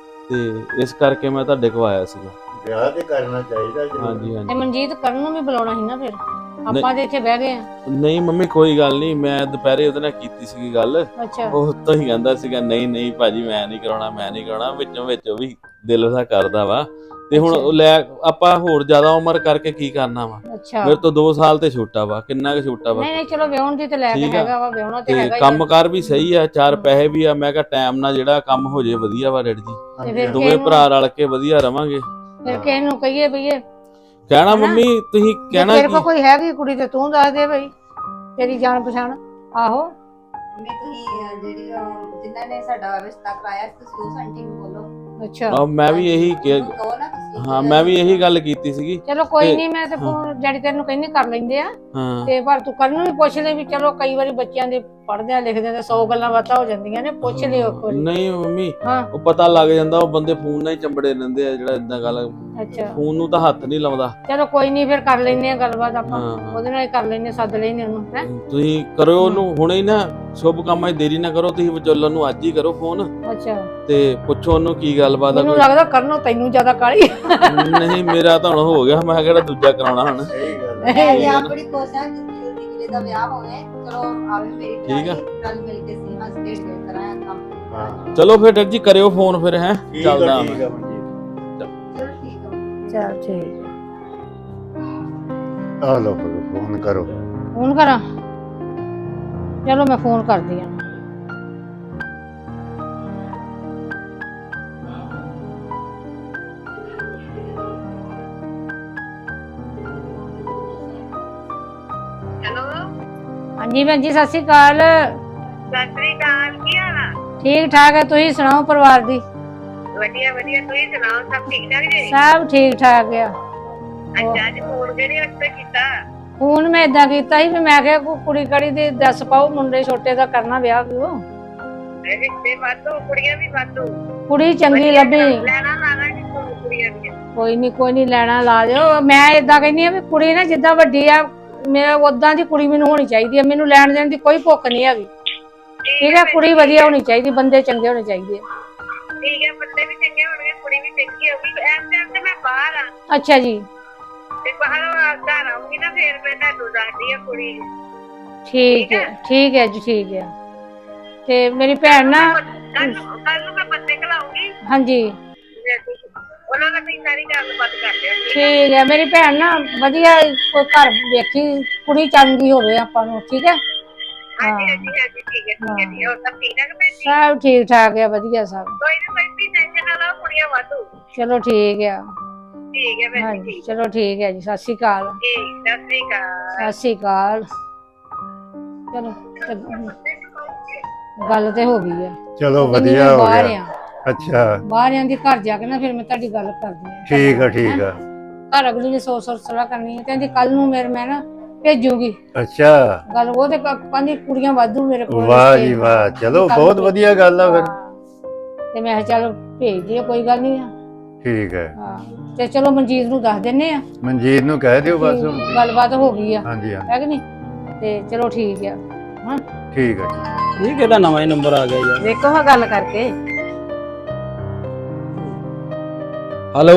[SPEAKER 3] ਤੇ ਇਸ ਕਰਕੇ ਮੈਂ ਤੁਹਾਡੇ ਕੋਲ ਆਇਆ ਸੀਗਾ।
[SPEAKER 1] ਵਿਆਹ ਤੇ ਕਰਨਾ ਚਾਹੀਦਾ ਜੀ।
[SPEAKER 3] ਹਾਂਜੀ
[SPEAKER 4] ਤੇ
[SPEAKER 3] ਹਾਂਜੀ
[SPEAKER 4] ਮਨਜੀਤ ਕਰਨ ਨੂੰ ਵੀ ਬੁਲਾਉਣਾ ਸੀ ਨਾ, ਫਿਰ ਆਪਾਂ ਤੇ ਇੱਥੇ ਬਹਿ ਗਏ ਆ।
[SPEAKER 3] ਨਹੀਂ ਮੰਮੀ ਕੋਈ ਗੱਲ ਨਹੀਂ, ਮੈਂ ਦੁਪਹਿਰੇ ਉਹਦੇ ਨਾਲ ਕੀਤੀ ਸੀਗੀ ਗੱਲ,
[SPEAKER 4] ਅੱਛਾ
[SPEAKER 3] ਉਹ ਤਾਂ ਹੀ ਕਹਿੰਦਾ ਸੀਗਾ ਨਹੀਂ ਨਹੀਂ ਭਾਜੀ ਮੈਂ ਨਹੀਂ ਕਰਾਉਣਾ ਮੈਂ ਨਹੀਂ ਕਰਾਉਣਾ, ਵਿੱਚੋਂ ਵਿੱਚ ਉਹ ਵੀ ਦਿਲ ਉਹਦਾ ਕਰਦਾ ਵਾ, ਤੇ ਹੁਣ ਉਹ ਲੈ ਆਪਾਂ ਹੋਰ ਜ਼ਿਆਦਾ ਉਮਰ ਕਰਕੇ ਕੀ ਕਰਨਾ ਵਾ,
[SPEAKER 4] ਅੱਛਾ
[SPEAKER 3] ਮੇਰੇ ਤੋਂ ਦੋ ਸਾਲ ਤੇ ਛੋਟਾ ਵਾ, ਕਿੰਨਾ ਕੁ ਛੋਟਾ ਵਾ,
[SPEAKER 4] ਨਹੀਂ ਨਹੀਂ ਚਲੋ ਵਿਆਹਣ ਦੀ ਤੇ ਲੈ ਕੇ
[SPEAKER 3] ਠੀਕ ਆ।
[SPEAKER 4] ਹੈਗਾ ਵਾ, ਵਿਆਹਣਾ ਤੇ
[SPEAKER 3] ਤੇ
[SPEAKER 4] ਹੈਗਾ ਹੀ ਆ।
[SPEAKER 3] ਕੰਮਕਾਰ ਵੀ ਸਹੀ ਆ, ਚਾਰ ਪੈਸੇ ਵੀ ਆ, ਮੈਂ ਕਿਹਾ ਟਾਈਮ ਨਾਲ ਜਿਹੜਾ ਕੰਮ ਹੋ ਜੇ ਵਧੀਆ ਵਾ ਡੈਡੀ ਜੀ,
[SPEAKER 4] ਤੇ ਫਿਰ
[SPEAKER 3] ਦੋਵੇਂ
[SPEAKER 4] ਕਿਹਨੂੰ-
[SPEAKER 3] ਭਰਾ ਰਲ ਕੇ ਵਧੀਆ ਰਵਾਂਗੇ।
[SPEAKER 4] ਫਿਰ ਕਿਸੇ ਨੂੰ ਕਹੀਏ ਵੀ ਇਹ
[SPEAKER 3] ਕਹਿਣਾ
[SPEAKER 4] ਹਨਾ?
[SPEAKER 3] ਮੰਮੀ ਤੁਸੀਂ
[SPEAKER 4] ਜੇ
[SPEAKER 3] ਕਹਿਣਾ
[SPEAKER 4] ਤੇਰੇ ਕੋਲ
[SPEAKER 3] ਕੀ?
[SPEAKER 4] ਕੋਈ ਹੈਗੀ ਕੁੜੀ ਤੇ ਤੂੰ ਦੱਸ ਦੇ ਬਈ, ਤੇਰੀ ਜਾਣ ਪਛਾਣ। ਆਹੋ
[SPEAKER 6] ਮੈਂ ਤੁਸੀਂ ਅਹ, ਜਿਹੜੀ ਅਹ, ਜਿਨ੍ਹਾਂ ਨੇ ਸਾਡਾ ਰਿਸ਼ਤਾ ਕਰਾਇਆ, ਤੁਸੀਂ ਉਸ ਆਂਟੀ ਨੂੰ ਬੋਲੋ।
[SPEAKER 4] ਅੱਛਾ
[SPEAKER 3] ਆਹ, ਮੈਂ ਵੀ ਇਹੀ ਕਿ
[SPEAKER 6] ਉਹਨੂੰ ਕਹੋ ਨਾ ਤੁਸੀਂ।
[SPEAKER 3] ਹਾਂ ਮੈਂ ਵੀ ਇਹੀ ਗੱਲ ਕੀਤੀ ਸੀਗੀ।
[SPEAKER 4] ਚਲੋ ਕੋਈ
[SPEAKER 3] ਤੇ-
[SPEAKER 4] ਨਹੀਂ, ਮੈਂ ਤੇ ਫੋਨ ਡੈਡੀ ਤੈਨੂੰ ਕਹਿੰਦੀ ਕਰ ਲੈਂਦੇ ਆ,
[SPEAKER 3] ਹਾਂ
[SPEAKER 4] ਤੇ ਪਰ ਤੂੰ ਕਰਨ ਨੂੰ ਵੀ ਪੁੱਛ ਲੈ ਵੀ ਚਲੋ ਕਈ ਵਾਰੀ ਬੱਚਿਆਂ ਦੇ ਪੜ੍ਹਦੇ ਆ ਲਿਖਦੇ ਆ ਤੇ ਸੌ ਗੱਲਾਂ ਬਾਤਾਂ ਹੋ ਜਾਂਦੀਆਂ ਨੇ, ਪੁੱਛ ਲਿਓ ਇੱਕ ਵਾਰੀ।
[SPEAKER 3] ਨਹੀਂ ਮੰਮੀ
[SPEAKER 4] ਹਾਂ
[SPEAKER 3] ਉਹ ਪਤਾ ਲੱਗ ਜਾਂਦਾ, ਉਹ ਬੰਦੇ ਫੋਨ ਨਾਲ ਹੀ ਚੰਬੜੇ ਰਹਿੰਦੇ ਆ, ਜਿਹੜਾ ਇਦਾਂ ਗੱਲ
[SPEAKER 4] ਅੱਛਾ
[SPEAKER 3] ਫੋਨ ਨੂੰ ਤਾਂ ਹੱਥ ਨਹੀਂ ਲਾਉਂਦਾ।
[SPEAKER 4] ਚਲੋ ਕੋਈ ਨਹੀਂ, ਫਿਰ ਕਰ ਲੈਂਦੇ ਆ ਗੱਲਬਾਤ ਆਪਾਂ,
[SPEAKER 3] ਹਾਂ
[SPEAKER 4] ਉਹਦੇ ਨਾਲ ਹੀ ਕਰ ਲੈਂਦੇ, ਸੱਦ ਲੈਂਦੇ ਉਹਨੂੰ ਹੈ।
[SPEAKER 3] ਤੁਸੀਂ ਕਰੋ ਉਹਨੂੰ ਹੁਣੇ ਹੀ ਨਾ, ਸ਼ੁਭ ਕੰਮਾਂ 'ਚ ਦੇਰੀ ਨਾ ਕਰੋ, ਤੁਸੀਂ ਵਿਚੋਲਨ ਨੂੰ ਅੱਜ ਹੀ ਕਰੋ ਫੋਨ,
[SPEAKER 4] ਅੱਛਾ
[SPEAKER 3] ਤੇ ਪੁੱਛੋ ਉਹਨੂੰ ਕੀ ਗੱਲਬਾਤ ਆ
[SPEAKER 4] ਮੈਨੂੰ
[SPEAKER 3] ਕੋਈ।
[SPEAKER 4] ਲੱਗਦਾ ਕਰਨੋਂ ਤੈਨੂੰ ਜ਼ਿਆਦਾ ਕਾਹਲੀ
[SPEAKER 3] ਨਹੀਂ ਮੇਰਾ ਤਾਂ ਹੁਣ ਹੋ ਗਿਆ, ਮੈਂ ਕਿਹੜਾ ਦੂਜਾ ਕਰਾਉਣਾ ਹੁਣ।
[SPEAKER 1] ਸਹੀ ਗੱਲ
[SPEAKER 6] ਮੈਂ
[SPEAKER 1] ਹੈ।
[SPEAKER 6] ਵੀ ਆਪ ਬੜੀ ਖੁਸ਼ ਹਾਂ ਕਿ ਜਲਦੀ ਵੀਰੇ ਦਾ ਵਿਆਹ ਹੋਵੇ। ਚਲੋ ਆਵੇ ਮੇਰੀ
[SPEAKER 3] ਠੀਕ ਆ।
[SPEAKER 6] ਰਲ ਮਿਲ ਕੇ ਸੀ ਹੱਸ ਖੇਡ ਕੇ ਕਰਾਂਗੇ ਕੰਮ।
[SPEAKER 1] ਹਾਂ
[SPEAKER 3] ਚਲੋ ਫਿਰ ਡੈਡੀ ਜੀ ਕਰਿਓ ਫੋਨ ਫਿਰ, ਹੈ
[SPEAKER 1] ਠੀਕ ਆ,
[SPEAKER 3] ਚੱਲਦਾ
[SPEAKER 1] ਠੀਕ
[SPEAKER 3] ਮੈਂ।
[SPEAKER 1] ਆ ਮਨਜੀਤ।
[SPEAKER 6] ਚਲੋ ਠੀਕ ਆ।
[SPEAKER 4] ਚਲ ਠੀਕ
[SPEAKER 1] ਆ ਲਓ ਫੋਨ ਕਰੋ।
[SPEAKER 4] ਫੋਨ ਕਰਾਂ? ਚਲੋ ਮੈਂ ਫੋਨ ਕਰਦੀ ਆ।
[SPEAKER 7] ਹੈਲੋ
[SPEAKER 4] ਹਾਂਜੀ ਭੈਣ ਜੀ, ਸਤਿ ਸ਼੍ਰੀ ਅਕਾਲ।
[SPEAKER 7] ਸਤਿ ਸ੍ਰੀ ਅਕਾਲ, ਕੀ ਹਾਲ ਆ?
[SPEAKER 4] ਠੀਕ ਠਾਕ ਹੈ, ਤੁਸੀਂ ਸੁਣਾਓ ਪਰਿਵਾਰ ਦੀ?
[SPEAKER 7] ਵਧੀਆ ਵਧੀਆ, ਤੁਸੀਂ ਸੁਣਾਓ, ਸਭ ਠੀਕ ਠਾਕ ਜੀ?
[SPEAKER 4] ਸਭ ਠੀਕ ਠਾਕ ਆ।
[SPEAKER 7] ਅੱਛਾ, ਅੱਜ ਫੋਨ ਕਿਹੜੇ ਵਾਸਤੇ ਕੀਤਾ?
[SPEAKER 4] ਫੋਨ ਮੈਂ ਇਦਾਂ ਕੀਤਾ ਸੀ ਵੀ ਮੈਂ ਕਿਹਾ ਕੋਈ ਕੁੜੀ ਕੜੀ ਦੀ ਦੱਸ ਪਾਓ, ਮੁੰਡੇ ਛੋਟੇ ਦਾ ਕਰਨਾ ਵਿਆਹ ਵੀ ਉਹ
[SPEAKER 7] ਰਿਸ਼ਤੇ ਵਾਧੂ, ਕੁੜੀਆਂ ਵੀ ਵਾਧੂ।
[SPEAKER 4] ਕੁੜੀ ਚੰਗੀ ਲੱਭੀ।
[SPEAKER 7] ਲੈਣਾ ਲਾਣਾ ਜੀ ਤੁਹਾਨੂੰ ਕੁੜੀਆਂ ਦੀਆਂ।
[SPEAKER 4] ਕੋਈ ਨਹੀਂ ਕੋਈ ਨਹੀਂ, ਲੈਣਾ ਲਾ ਦਿਓ। ਮੈਂ ਇਦਾਂ ਕਹਿੰਦੀ ਆ ਵੀ ਕੁੜੀ ਨਾ ਜਿੱਦਾਂ ਵੱਡੀ ਆ, ਮੇਰਾ ਉਦਾਂ ਦੀ ਕੁੜੀ ਮੈਨੂੰ ਹੋਣੀ ਚਾਹੀਦੀ ਹੈ, ਮੈਨੂੰ ਲੈਣ ਦੇਣ ਦੀ ਕੋਈ ਭੁੱਖ ਨਹੀਂ ਹੈਗੀ। ਠੀਕ ਹੈ, ਕੁੜੀ ਵਧੀਆ ਹੋਣੀ ਚਾਹੀਦੀ, ਬੰਦੇ ਚੰਗੇ ਹੋਣੇ ਚਾਹੀਦੇ।
[SPEAKER 7] ਠੀਕ ਹੈ, ਬੰਦੇ ਵੀ ਚੰਗੇ ਹੋਣਗੇ, ਕੁੜੀ ਵੀ ਚੰਗੀ ਹੋਊਗੀ। ਇਸ ਟਾਈਮ ਤੇ ਮੈਂ ਬਾਹਰ ਆ,
[SPEAKER 4] ਅੱਛਾ ਜੀ,
[SPEAKER 7] ਤੇ ਬਾਹਰੋਂ ਆ ਘਰ ਆਉਂਗੀ ਨਾ, ਫੇਰ ਮੈਂ ਤੁਹਾਨੂੰ ਦੱਸਦੀ ਆ ਕੁੜੀ।
[SPEAKER 4] ਠੀਕ ਹੈ ਠੀਕ ਹੈ ਜੀ, ਠੀਕ ਹੈ। ਤੇ ਮੇਰੀ ਭੈਣ ਨਾ
[SPEAKER 7] ਕੱਲ ਕੱਲ ਨੂੰ ਮੈਂ ਬੰਦੇ ਘਲਾਉਂਗੀ
[SPEAKER 4] ਹਾਂਜੀ
[SPEAKER 7] ਉਹਨਾਂ ਨਾਲ ਵੀ ਸਾਰੀ ਗੱਲਬਾਤ ਕਰ ਲਿਓ
[SPEAKER 4] ਠੀਕ ਹੈ। ਮੇਰੀ ਭੈਣ ਨਾ ਵਧੀਆ ਕੋਈ ਘਰ ਵੇਖੀ, ਕੁੜੀ ਚੰਗੀ ਹੋਵੇ ਆਪਾਂ ਨੂੰ, ਠੀਕ ਹੈ।
[SPEAKER 7] ਹਾਂਜੀ ਹਾਂਜੀ ਹਾਂਜੀ ਠੀਕ ਹੈ ਠੀਕ ਹੈ ਠੀਕ ਹੈ ਹੋਰ ਸਭ ਠੀਕ ਠਾਕ ਭੈਣ ਜੀ
[SPEAKER 4] ਸਭ ਠੀਕ ਠਾਕ ਹੈ, ਵਧੀਆ ਸਭ।
[SPEAKER 7] ਕੋਈ ਨਾ ਕੋਈ ਵੀ ਟੈਨਸ਼ਨ ਨਾ ਲਓ ਕੁੜੀਆਂ ਵਾਧੂ
[SPEAKER 4] ਚਲੋ ਠੀਕ ਆ।
[SPEAKER 7] ਠੀਕ ਹੈ ਭੈਣ ਜੀ
[SPEAKER 4] ਹਾਂਜੀ
[SPEAKER 7] ਠੀਕ
[SPEAKER 4] ਚਲੋ ਠੀਕ ਹੈ ਜੀ, ਸਤਿ ਸ਼੍ਰੀ ਅਕਾਲ।
[SPEAKER 7] ਠੀਕ ਸਤਿ ਸ੍ਰੀ ਅਕਾਲ
[SPEAKER 4] ਸਤਿ ਸ਼੍ਰੀ ਅਕਾਲ। ਚਲੋ ਤੇ ਗੱਲ ਤੇ ਹੋ ਗਈ ਹੈ।
[SPEAKER 1] ਚਲੋ
[SPEAKER 4] ਉਹ ਕਹਿੰਦੀ
[SPEAKER 1] ਵਧੀਆ
[SPEAKER 4] ਮੈਂ
[SPEAKER 1] ਹੋ
[SPEAKER 4] ਬਾਹਰ
[SPEAKER 1] ਗਿਆ।
[SPEAKER 4] ਆ
[SPEAKER 1] ਅੱਛਾ
[SPEAKER 4] ਬਾਹਰ ਆਂਦੀ, ਘਰ ਜਾ ਕੇ ਨਾ ਫਿਰ ਮੈਂ ਤੁਹਾਡੀ ਗੱਲ ਕਰਦੀ ਹਾਂ।
[SPEAKER 1] ਠੀਕ ਆ ਠੀਕ ਆ।
[SPEAKER 4] ਘਰ ਅਗਲੀ ਨੇ ਸੌ ਸੌ ਸਲਾਹ ਕਰਨੀ ਹੈ, ਕਹਿੰਦੀ ਕੱਲ ਨੂੰ ਮੇਰੇ ਮੈਂ ਨਾ ਭੇਜੂਗੀ
[SPEAKER 1] ਅੱਛਾ
[SPEAKER 4] ਗੱਲ। ਉਹ ਤੇ ਕਹਿੰਦੀ ਕੁੜੀਆਂ ਵਾਧੂ ਮੇਰੇ ਕੋਲ
[SPEAKER 1] ਵਾਹ
[SPEAKER 4] ਰਿਸ਼ਤੇ।
[SPEAKER 1] ਜੀ ਵਾਹ, ਚਲੋ
[SPEAKER 4] ਕੱਲ੍ਹ
[SPEAKER 1] ਬਹੁਤ
[SPEAKER 4] ਨੂੰ
[SPEAKER 1] ਵਧੀਆ ਗੱਲ ਆ ਫਿਰ।
[SPEAKER 4] ਹਾਂ। ਤੇ ਮੈਂ ਕਿਹਾ ਚਲੋ ਭੇਜ ਦਿਓ, ਕੋਈ ਗੱਲ ਨਹੀਂ ਆ।
[SPEAKER 1] ਠੀਕ ਹੈ,
[SPEAKER 4] ਹਾਂ ਤੇ ਚਲੋ ਮਨਜੀਤ ਨੂੰ ਦੱਸ ਦਿੰਨੇ ਆ।
[SPEAKER 1] ਮਨਜੀਤ ਨੂੰ ਕਹਿ ਦਿਓ ਬਸ ਹੁਣ।
[SPEAKER 4] ਕਿ ਗੱਲਬਾਤ ਹੋ ਗਈ ਆ,
[SPEAKER 1] ਹਾਂਜੀ ਹਾਂਜੀ
[SPEAKER 4] ਹੈ ਕਿ ਨਹੀਂ? ਤੇ ਚਲੋ ਠੀਕ ਆ। ਹਾਂ
[SPEAKER 1] ਠੀਕ ਹੈ ਜੀ।
[SPEAKER 2] ਇਹ ਕਿਹੜਾ ਨਵਾਂ ਹੀ ਨੰਬਰ ਆ ਗਿਆ ਯਾਰ।
[SPEAKER 6] ਵੇਖੋ ਹਾਂ ਗੱਲ ਕਰਕੇ।
[SPEAKER 2] ਹੈਲੋ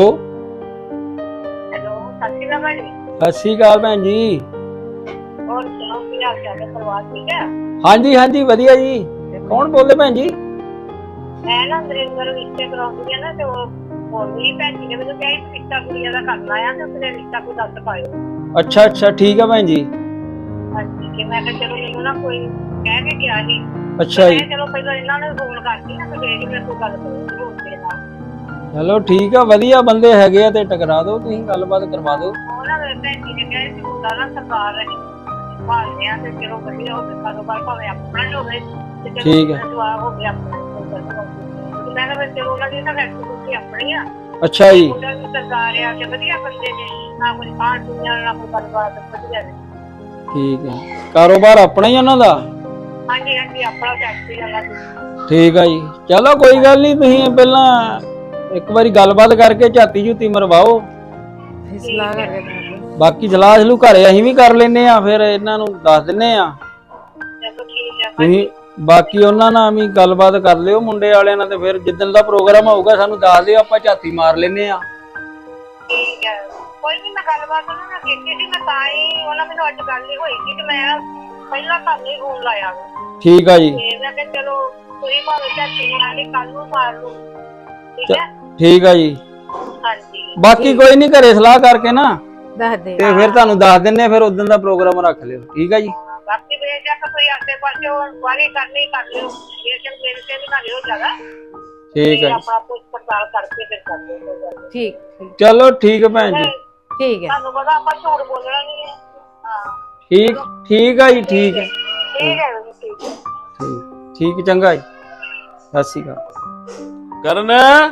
[SPEAKER 7] ਹੈਲੋ ਸਤਿ ਸ਼੍ਰੀ ਅਕਾਲ ਭੈਣ ਜੀ
[SPEAKER 2] ਸਤਿ ਸ਼੍ਰੀ ਅਕਾਲ ਭੈਣ ਜੀ।
[SPEAKER 7] ਹੋਰ ਸੁਣਾਓ ਕੀ ਹਾਲ ਚਾਲ ਹੈ ਪਰਿਵਾਰ ਠੀਕ ਹੈ
[SPEAKER 2] ਹਾਂਜੀ ਹਾਂਜੀ ਵਧੀਆ ਜੀ। ਕੌਣ ਬੋਲਦੇ ਭੈਣ ਜੀ?
[SPEAKER 7] ਮੈਂ ਨਾ ਨਰਿੰਦਰ ਰਿਸ਼ਤੇ ਕਰਾਉਂਦੀ ਆ ਨਾ ਤੇ ਉਹ ਬੋਲਦੀ ਭੈਣ ਜੀ ਨੇ ਮੈਨੂੰ ਕਿਹਾ ਸੀ ਰਿਸ਼ਤਾ ਕੁੜੀਆਂ ਦਾ ਕਰਨਾ ਆ ਤੇ ਉਸਨੇ ਰਿਸ਼ਤਾ ਕੋਈ ਦੱਸ ਪਾਇਓ।
[SPEAKER 2] ਅੱਛਾ ਅੱਛਾ ਠੀਕ ਆ ਭੈਣ ਜੀ।
[SPEAKER 7] ਹਾਂਜੀ ਕਿ ਮੈਂ ਕਿਹਾ ਚਲੋ ਮੈਨੂੰ ਨਾ ਕੋਈ ਕਹਿ ਕੇ ਗਿਆ ਸੀ।
[SPEAKER 2] ਅੱਛਾ ਜੀ
[SPEAKER 7] ਮੈਂ ਚਲੋ ਪਹਿਲਾਂ ਇਹਨਾਂ ਨੂੰ ਫੋਨ ਕਰਦੀ ਨਾ ਤੇ ਫੇਰ ਹੀ ਮੈਂ ਕੋਈ ਗੱਲ ਕਰੂੰਗੀ ਹੋਰ ਤੇਰੇ ਨਾਲ।
[SPEAKER 2] ਚਲੋ ਠੀਕ ਆ, ਵਧੀਆ ਬੰਦੇ ਹੈਗੇ ਆ ਤੇ ਟਕਰਾ ਦਿਓ, ਤੁਸੀਂ ਗੱਲਬਾਤ ਕਰਵਾ ਦਿਓ।
[SPEAKER 7] ਉਹ ਨਾ ਮੇਰੇ ਭੈਣ ਜੀ ਨੇ ਕਿਹਾ ਸੀ ਮੁੰਡਾ ਨਾ ਸਰਕਾਰ ਰਹੀ ਭਾਲਦੇ ਆ ਤੇ ਚਲੋ ਵਧੀਆ ਹੋਵੇ ਕਾਰੋਬਾਰ ਭਾਵੇਂ ਆਪਣਾ ਹੀ ਹੋਵੇ ਤੇ ਚਲੋ
[SPEAKER 2] ਠੀਕ ਹੈ।
[SPEAKER 7] ਜਵਾਬ ਹੋ ਗਿਆ ਆਪਣਾ ਕੋਈ ਗੱਲ ਨੀ। ਤੇ ਮੈਂ ਕਿਹਾ ਫਿਰ ਚਲੋ ਉਹਨਾਂ ਦੀ ਨਾ ਫੈਕਟਰੀ ਆਪਣੀ ਆ।
[SPEAKER 2] ਅੱਛਾ ਜੀ
[SPEAKER 7] ਮੁੰਡਾ ਵੀ ਸਰਕਾਰ ਆ ਤੇ ਵਧੀਆ ਬੰਦੇ ਨੇ, ਨਾ ਕੋਈ ਖਾਣ ਪੀਣ ਵਾਲਾ, ਨਾ ਕੋਈ ਗੱਲਬਾਤ, ਵਧੀਆ ਨੇ।
[SPEAKER 2] ਠੀਕ ਹੈ। ਕਾਰੋਬਾਰ ਆਪਣਾ ਹੀ ਉਹਨਾਂ ਦਾ?
[SPEAKER 7] ਹਾਂਜੀ ਹਾਂਜੀ ਆਪਣਾ ਫੈਕਟਰੀ ਵਾਲਾ ਜੀ।
[SPEAKER 2] ਠੀਕ ਆ ਜੀ। ਚਲੋ ਕੋਈ ਗੱਲ ਨਹੀਂ, ਤੁਸੀਂ ਪਹਿਲਾਂ ਇੱਕ ਵਾਰੀ ਗੱਲਬਾਤ ਕਰਕੇ ਝਾਤੀ ਝੂਤੀ ਮਰਵਾਓ,
[SPEAKER 6] ਸਲਾਹ ਕਰਕੇ
[SPEAKER 2] ਬਾਕੀ ਸਲਾਹ ਸਲੂ ਘਰੇ ਅਸੀਂ ਵੀ ਕਰ ਲੈਨੇ ਆ, ਫਿਰ ਇਹਨਾਂ ਨੂੰ ਦੱਸ ਦਿੰਨੇ ਆ।
[SPEAKER 7] ਚਲੋ ਠੀਕ ਹੈ
[SPEAKER 2] ਤੁਸੀਂ ਬਾਕੀ ਉਹਨਾਂ ਨਾਲ ਵੀ ਗੱਲਬਾਤ ਕਰ ਲਿਓ ਮੁੰਡੇ ਵਾਲਿਆਂ ਨਾਲ, ਤੇ ਫਿਰ ਜਿੱਦਣ ਦਾ ਪ੍ਰੋਗਰਾਮ ਹੋਊਗਾ ਸਾਨੂੰ ਦੱਸ ਦਿਓ, ਆਪਾਂ ਝਾਤੀ ਮਾਰ ਲੈਨੇ ਆ।
[SPEAKER 7] ਠੀਕ ਹੈ। ਕੋਈ ਨੀ ਮੈਂ ਗੱਲਬਾਤ ਉਹਨਾਂ ਨਾਲ ਕੀਤੀ ਸੀ, ਮੈਂ ਤਾਂ ਹੀ ਉਹਨਾਂ ਮੈਨੂੰ ਅੱਜ ਗੱਲ ਹੀ ਹੋਈ ਸੀ ਤੇ ਮੈਂ ਪਹਿਲਾਂ ਤੁਹਾਨੂੰ ਹੀ ਫੋਨ ਲਾਇਆ ਵਾ।
[SPEAKER 2] ਠੀਕ ਆ ਜੀ।
[SPEAKER 7] ਤੇ ਮੈਂ ਕਿਹਾ ਚਲੋ ਤੁਸੀਂ ਭਾਵੇਂ ਝਾਤੀ ਮਾਰ ਲਈ, ਕੱਲ ਨੂੰ ਮਾਰ ਲਓ, ਠੀਕ ਹੈ।
[SPEAKER 2] ਠੀਕ ਆ ਜੀ।
[SPEAKER 7] ਹਾਂਜੀ
[SPEAKER 2] ਬਾਕੀ ਕੋਈ ਨਹੀਂ, ਘਰੇ ਸਲਾਹ ਕਰਕੇ ਨਾ
[SPEAKER 6] ਦੱਸ ਦੇ।
[SPEAKER 2] ਤੇ ਫਿਰ ਤੁਹਾਨੂੰ ਦੱਸ ਦਿੰਨੇ ਆ, ਫਿਰ ਉਦੋਂ ਦਾ ਪ੍ਰੋਗਰਾਮ ਰੱਖ ਲਿਓ, ਠੀਕ ਆ ਜੀ।
[SPEAKER 7] ਬਾਕੀ ਬੇਸ਼ੱਕ ਕੋਈ ਆਸੇ ਪਾਸੇ ਵਾਰੀ ਕਰਨੀ ਕਰ ਲਿਓ, ਬੇਸ਼ੱਕ ਮੇਰੇ ਤੇ ਵੀ ਨਾ ਲਿਓ ਜ਼ਿਆਦਾ।
[SPEAKER 2] ਠੀਕ
[SPEAKER 7] ਤੇ
[SPEAKER 2] ਆ ਜੀ।
[SPEAKER 7] ਆਪਣਾ ਪੁੱਛ ਪੜਤਾਲ ਕਰਕੇ ਫਿਰ ਕਰ ਲਿਓ ਕੋਈ ਗੱਲ ਨੀ।
[SPEAKER 6] ਠੀਕ ਠੀਕ
[SPEAKER 2] ਚਲੋ ਠੀਕ ਆ ਭੈਣ ਜੀ।
[SPEAKER 6] ਠੀਕ ਹੈ।
[SPEAKER 7] ਤੁਹਾਨੂੰ ਪਤਾ ਆਪਾਂ ਝੂਠ ਬੋਲਣਾ ਨਹੀਂ ਹੈ। ਹਾਂ
[SPEAKER 2] ਠੀਕ ਠੀਕ ਆ ਜੀ। ਠੀਕ ਹੈ
[SPEAKER 7] ਠੀਕ ਹੈ ਜੀ, ਠੀਕ ਹੈ।
[SPEAKER 2] ਠੀਕ ਠੀਕ ਚੰਗਾ ਜੀ। ਸਤਿ ਸ਼੍ਰੀ ਅਕਾਲ। ਕਰਨ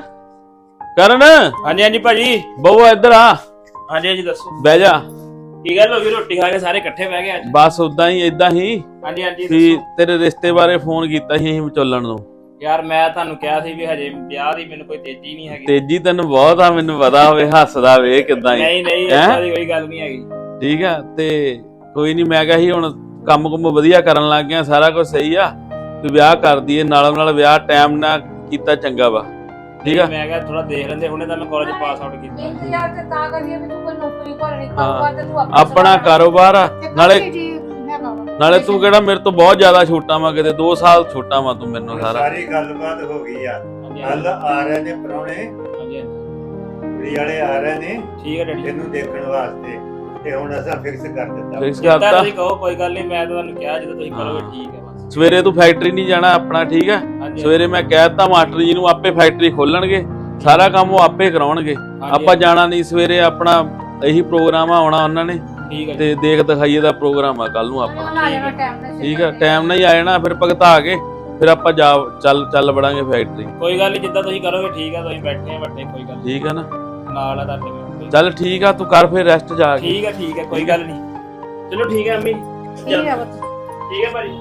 [SPEAKER 2] ਕਰਨ
[SPEAKER 8] ਹਾਂਜੀ ਹਾਂਜੀ ਭਾਜੀ।
[SPEAKER 2] ਬਹੂ ਇੱਧਰ ਆ,
[SPEAKER 8] ਹਾਂਜੀ ਹਾਂਜੀ ਦੱਸੋ
[SPEAKER 2] ਬਹਿ ਜਾ।
[SPEAKER 8] ਕੀ ਗੱਲ ਹੋ ਗਈ? ਰੋਟੀ ਖਾ ਕੇ ਸਾਰੇ ਇਕੱਠੇ ਬਹਿ ਗਏ ਅੱਜ?
[SPEAKER 2] ਬਸ ਉਦਾਂ ਹੀ ਏਦਾਂ ਹੀ
[SPEAKER 8] ਹਾਂਜੀ ਹਾਂਜੀ
[SPEAKER 2] ਵੀ
[SPEAKER 8] ਦੱਸੋ।
[SPEAKER 2] ਤੇਰੇ ਰਿਸ਼ਤੇ ਬਾਰੇ ਫੋਨ ਕੀਤਾ ਸੀ ਅਸੀਂ ਵਿਚੋਲਣ ਨੂੰ।
[SPEAKER 8] ਯਾਰ ਮੈਂ ਤੁਹਾਨੂੰ ਕਿਹਾ ਸੀ ਵੀ ਹਜੇ ਵਿਆਹ ਦੀ ਮੈਨੂੰ ਕੋਈ ਤੇਜ਼ੀ ਨਹੀਂ ਹੈਗੀ।
[SPEAKER 2] ਤੇਜੀ ਤੈਨੂੰ ਬਹੁਤ ਆ, ਮੈਨੂੰ ਪਤਾ ਹੋਵੇ, ਹੱਸਦਾ ਵੇ ਕਿਦਾਂ ਹੀ।
[SPEAKER 8] ਨਹੀਂ ਨਹੀਂ
[SPEAKER 2] ਹੈਂ?
[SPEAKER 8] ਏਦਾਂ ਦੀ ਕੋਈ ਗੱਲ ਨਹੀਂ ਹੈਗੀ।
[SPEAKER 2] ਠੀਕ ਆ, ਤੇ ਕੋਈ ਨਹੀਂ, ਮੈਂ ਕਿਹਾ ਸੀ ਹੁਣ ਕੰਮ ਕੁੰਮ ਵਧੀਆ ਕਰਨ ਲੱਗ ਗਿਆ, ਸਾਰਾ ਕੁਝ ਸਹੀ ਆ, ਤੇ ਵਿਆਹ ਕਰ ਦਈਏ, ਨਾਲੋਂ ਨਾਲ ਵਿਆਹ ਟਾਈਮ ਨਾਲ ਕੀਤਾ ਚੰਗਾ ਵਾ। ਠੀਕ ਆ।
[SPEAKER 8] ਮੈਂ ਕਿਹਾ ਥੋੜਾ ਦੇਖ ਲੈਂਦੇ, ਹੁਣੇ ਤਾਂ ਮੈਂ ਕਾਲਜ ਪਾਸ ਆਊਟ ਕੀਤਾ।
[SPEAKER 4] ਇੰਤਜ਼ਾਰ ਤੇ ਤਾਂ ਕਰੀਏ ਵੀ ਤੂੰ ਕੋਈ ਨੌਕਰੀ ਭਾਲਣੀ,
[SPEAKER 2] ਹਾਂ।
[SPEAKER 4] ਕਾਰੋਬਾਰ ਤੇ ਤੂੰ
[SPEAKER 2] ਆਪਣਾ ਕਾਰੋਬਾਰ ਆ, ਨਾਲੇ
[SPEAKER 4] ਹੈਗਾ ਵਾ।
[SPEAKER 2] ਨਾਲੇ ਤੂੰ ਕਿਹੜਾ ਮੇਰੇ ਤੋਂ ਬਹੁਤ ਜ਼ਿਆਦਾ ਛੋਟਾ ਵਾ, ਕਿਤੇ ਦੋ ਸਾਲ ਛੋਟਾ ਵਾ ਤੂੰ ਮੈਨੂੰ ਸਾਰਾ।
[SPEAKER 1] ਸਾਰੀ ਗੱਲਬਾਤ ਹੋ ਗਈ ਆ।
[SPEAKER 8] ਹਾਂਜੀ
[SPEAKER 1] ਕੱਲ ਆ ਰਹੇ ਨੇ ਪ੍ਰਾਹੁਣੇ,
[SPEAKER 8] ਹਾਂਜੀ ਹਾਂਜੀ
[SPEAKER 1] ਕੁੜੀ ਵਾਲੇ ਆ ਰਹੇ ਨੇ
[SPEAKER 8] ਠੀਕ ਹੈ ਡੈਡੀ।
[SPEAKER 1] ਇਹਨੂੰ ਦੇਖਣ ਵਾਸਤੇ, ਤੇ ਹੁਣ ਅਸਾਂ ਫਿਕਸ ਕਰ ਦਿੱਤਾ।
[SPEAKER 2] ਫਿਕਸ
[SPEAKER 8] ਜਿੱਦਾਂ
[SPEAKER 2] ਕਰਤਾ।
[SPEAKER 8] ਤੁਸੀਂ ਕਹੋ ਕੋਈ ਗੱਲ ਨਹੀਂ, ਮੈਂ ਤਾਂ ਤੁਹਾਨੂੰ ਕਿਹਾ ਜਦੋਂ ਤੁਸੀਂ ਕਰੋਗੇ ਠੀਕ ਹੈ ਬਸ।
[SPEAKER 2] ਸਵੇਰੇ ਤੂੰ ਫੈਕਟਰੀ ਨਹੀਂ ਜਾਣਾ ਆਪਣਾ, ਠੀਕ ਆ।
[SPEAKER 8] ਹਾਂਜੀ
[SPEAKER 2] ਸਵੇਰੇ ਮੈਂ ਕਹਿ ਦਿੱਤਾ ਮਾਸਟਰ ਜੀ ਨੂੰ, ਆਪੇ ਫੈਕਟਰੀ ਖੋਲਣਗੇ, ਸਾਰਾ ਕੰਮ ਉਹ ਆਪੇ ਕਰਾਉਣਗੇ,
[SPEAKER 8] ਹਾਂਜੀ,
[SPEAKER 2] ਆਪਾਂ ਜਾਣਾ ਨਹੀਂ। ਸਵੇਰੇ ਆਪਣਾ ਇਹੀ ਪ੍ਰੋਗਰਾਮ ਆ, ਆਉਣਾ ਉਹਨਾਂ ਨੇ,
[SPEAKER 8] ਠੀਕ ਹੈ ਜੀ।
[SPEAKER 2] ਤੇ ਦੇਖ ਦਿਖਾਈਏ ਦਾ ਪ੍ਰੋਗਰਾਮ ਆ ਕੱਲ ਨੂੰ ਆਪਾਂ।
[SPEAKER 4] ਉਹਨਾਂ ਆ ਜਾਣਾ ਟਾਈਮ ਨਾਲ।
[SPEAKER 2] ਠੀਕ ਆ, ਟਾਈਮ ਨਾਲ ਹੀ ਆ ਜਾਣਾ, ਫਿਰ ਭਗਤਾ ਕੇ ਫਿਰ ਆਪਾਂ ਜਾ ਚੱਲ ਚੱਲ ਵੜਾਂਗੇ ਫੈਕਟਰੀ।
[SPEAKER 8] ਕੋਈ ਗੱਲ ਨਹੀਂ, ਜਿੱਦਾਂ ਤੁਸੀਂ ਕਰੋਗੇ ਠੀਕ ਆ, ਤੁਸੀਂ ਬੈਠੇ ਆ ਵੱਡੇ, ਕੋਈ ਗੱਲ ਨੀ।
[SPEAKER 2] ਠੀਕ ਆ ਨਾ,
[SPEAKER 8] ਨਾਲ ਆ ਤੁਹਾਡੇ ਮੈਂ।
[SPEAKER 2] ਚੱਲ ਠੀਕ ਆ, ਤੂੰ ਕਰ ਫਿਰ ਰੈਸਟ ਜਾ ਕੇ।
[SPEAKER 8] ਠੀਕ ਹੈ ਠੀਕ ਹੈ ਕੋਈ ਗੱਲ ਨਹੀਂ। ਚਲੋ ਠੀਕ ਹੈ ਅੰਮੀ।
[SPEAKER 4] ਠੀਕ ਹੈ ਬੱਤ।
[SPEAKER 8] ਠੀਕ ਹੈ ਭਾਜੀ।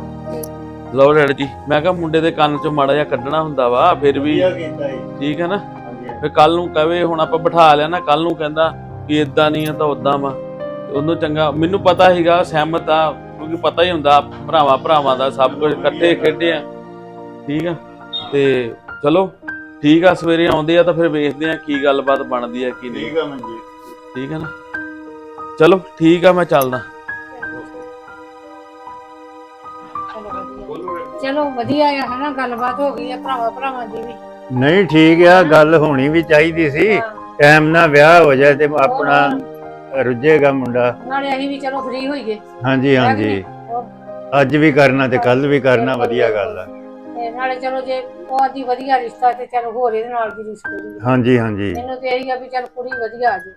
[SPEAKER 2] ਲਓ ਡੈਡੀ ਜੀ, ਮੈਂ ਕਿਹਾ ਮੁੰਡੇ ਦੇ ਕੰਨ ਚੋਂ ਮਾੜਾ ਜਿਹਾ ਕੱਢਣਾ ਹੁੰਦਾ ਵਾ, ਫਿਰ ਵੀ
[SPEAKER 1] ਵਧੀਆ ਕੀਤਾ ਜੀ।
[SPEAKER 2] ਠੀਕ ਹੈ ਨਾ।
[SPEAKER 1] ਹਾਂਜੀ
[SPEAKER 2] ਫਿਰ ਕੱਲ ਨੂੰ ਕਵੇ, ਹੁਣ ਆਪਾਂ ਬਿਠਾ ਲਿਆ ਨਾ, ਕੱਲ ਨੂੰ ਕਹਿੰਦਾ ਕਿ ਇਦਾਂ ਨਹੀਂ ਆ ਤਾਂ ਉਦਾਂ ਵਾ, ਉਹਨੂੰ ਚੰਗਾ, ਮੈਨੂੰ ਪਤਾ ਸੀਗਾ ਸਹਿਮਤ ਆ, ਕਿਉਂਕਿ ਪਤਾ ਹੀ ਹੁੰਦਾ ਭਰਾਵਾਂ ਭਰਾਵਾਂ ਦਾ ਸਭ ਕੁਝ, ਇਕੱਠੇ ਖੇਡੇ ਆ। ਠੀਕ ਆ, ਤੇ ਚਲੋ ਠੀਕ ਆ, ਸਵੇਰੇ ਆਉਂਦੇ ਆ ਤਾਂ ਫਿਰ ਵੇਖਦੇ ਆ ਕੀ ਗੱਲਬਾਤ ਬਣਦੀ ਆ ਕੀ ਨਹੀਂ।
[SPEAKER 1] ਠੀਕ ਆ ਮਨਜੀਤ।
[SPEAKER 2] ਠੀਕ ਆ ਨਾ, ਚਲੋ ਠੀਕ ਆ, ਮੈਂ ਚੱਲਦਾ।
[SPEAKER 4] ਚਲੋ ਵਧੀਆ ਚਲੋ ਵਧੀਆ ਆ ਹਨਾ ਗੱਲਬਾਤ ਹੋ ਗਈ ਆ ਭਰਾਵਾਂ ਭਰਾਵਾਂ ਦੀ ਵੀ
[SPEAKER 1] ਨਹੀਂ ਠੀਕ ਆ, ਗੱਲ ਹੋਣੀ ਵੀ ਚਾਹੀਦੀ ਸੀ।
[SPEAKER 4] ਹਾਂ,
[SPEAKER 1] ਟਾਈਮ ਨਾਲ ਵਿਆਹ ਹੋ ਜਾਏ ਤੇ ਆਪਣਾ ਰੁੱਝੇਗਾ ਮੁੰਡਾ।
[SPEAKER 4] ਨਾਲੇ ਅਸੀਂ ਵੀ ਚਲੋ ਫ੍ਰੀ ਹੋਈਏ
[SPEAKER 1] ਹਾਂਜੀ ਹਾਂਜੀ, ਅੱਜ ਵੀ ਕਰਨਾ ਤੇ ਕੱਲ ਵੀ ਕਰਨਾ, ਵਧੀਆ ਗੱਲ ਆ।
[SPEAKER 4] ਤੇ ਨਾਲੇ ਚਲੋ ਜੇ ਬਹੁਤ ਹੀ ਵਧੀਆ ਰਿਸ਼ਤਾ ਤੇ ਚਲੋ ਹੋਰ ਇਹਦੇ ਨਾਲ ਦੀ ਰਿਸ਼ਤੇ ਦੀ
[SPEAKER 1] ਹਾਂਜੀ ਹਾਂਜੀ,
[SPEAKER 4] ਮੈਨੂੰ ਤੇ ਇਹੀ ਆ ਵੀ ਚਲ ਕੁੜੀ ਵਧੀਆ ਆ ਜੇ।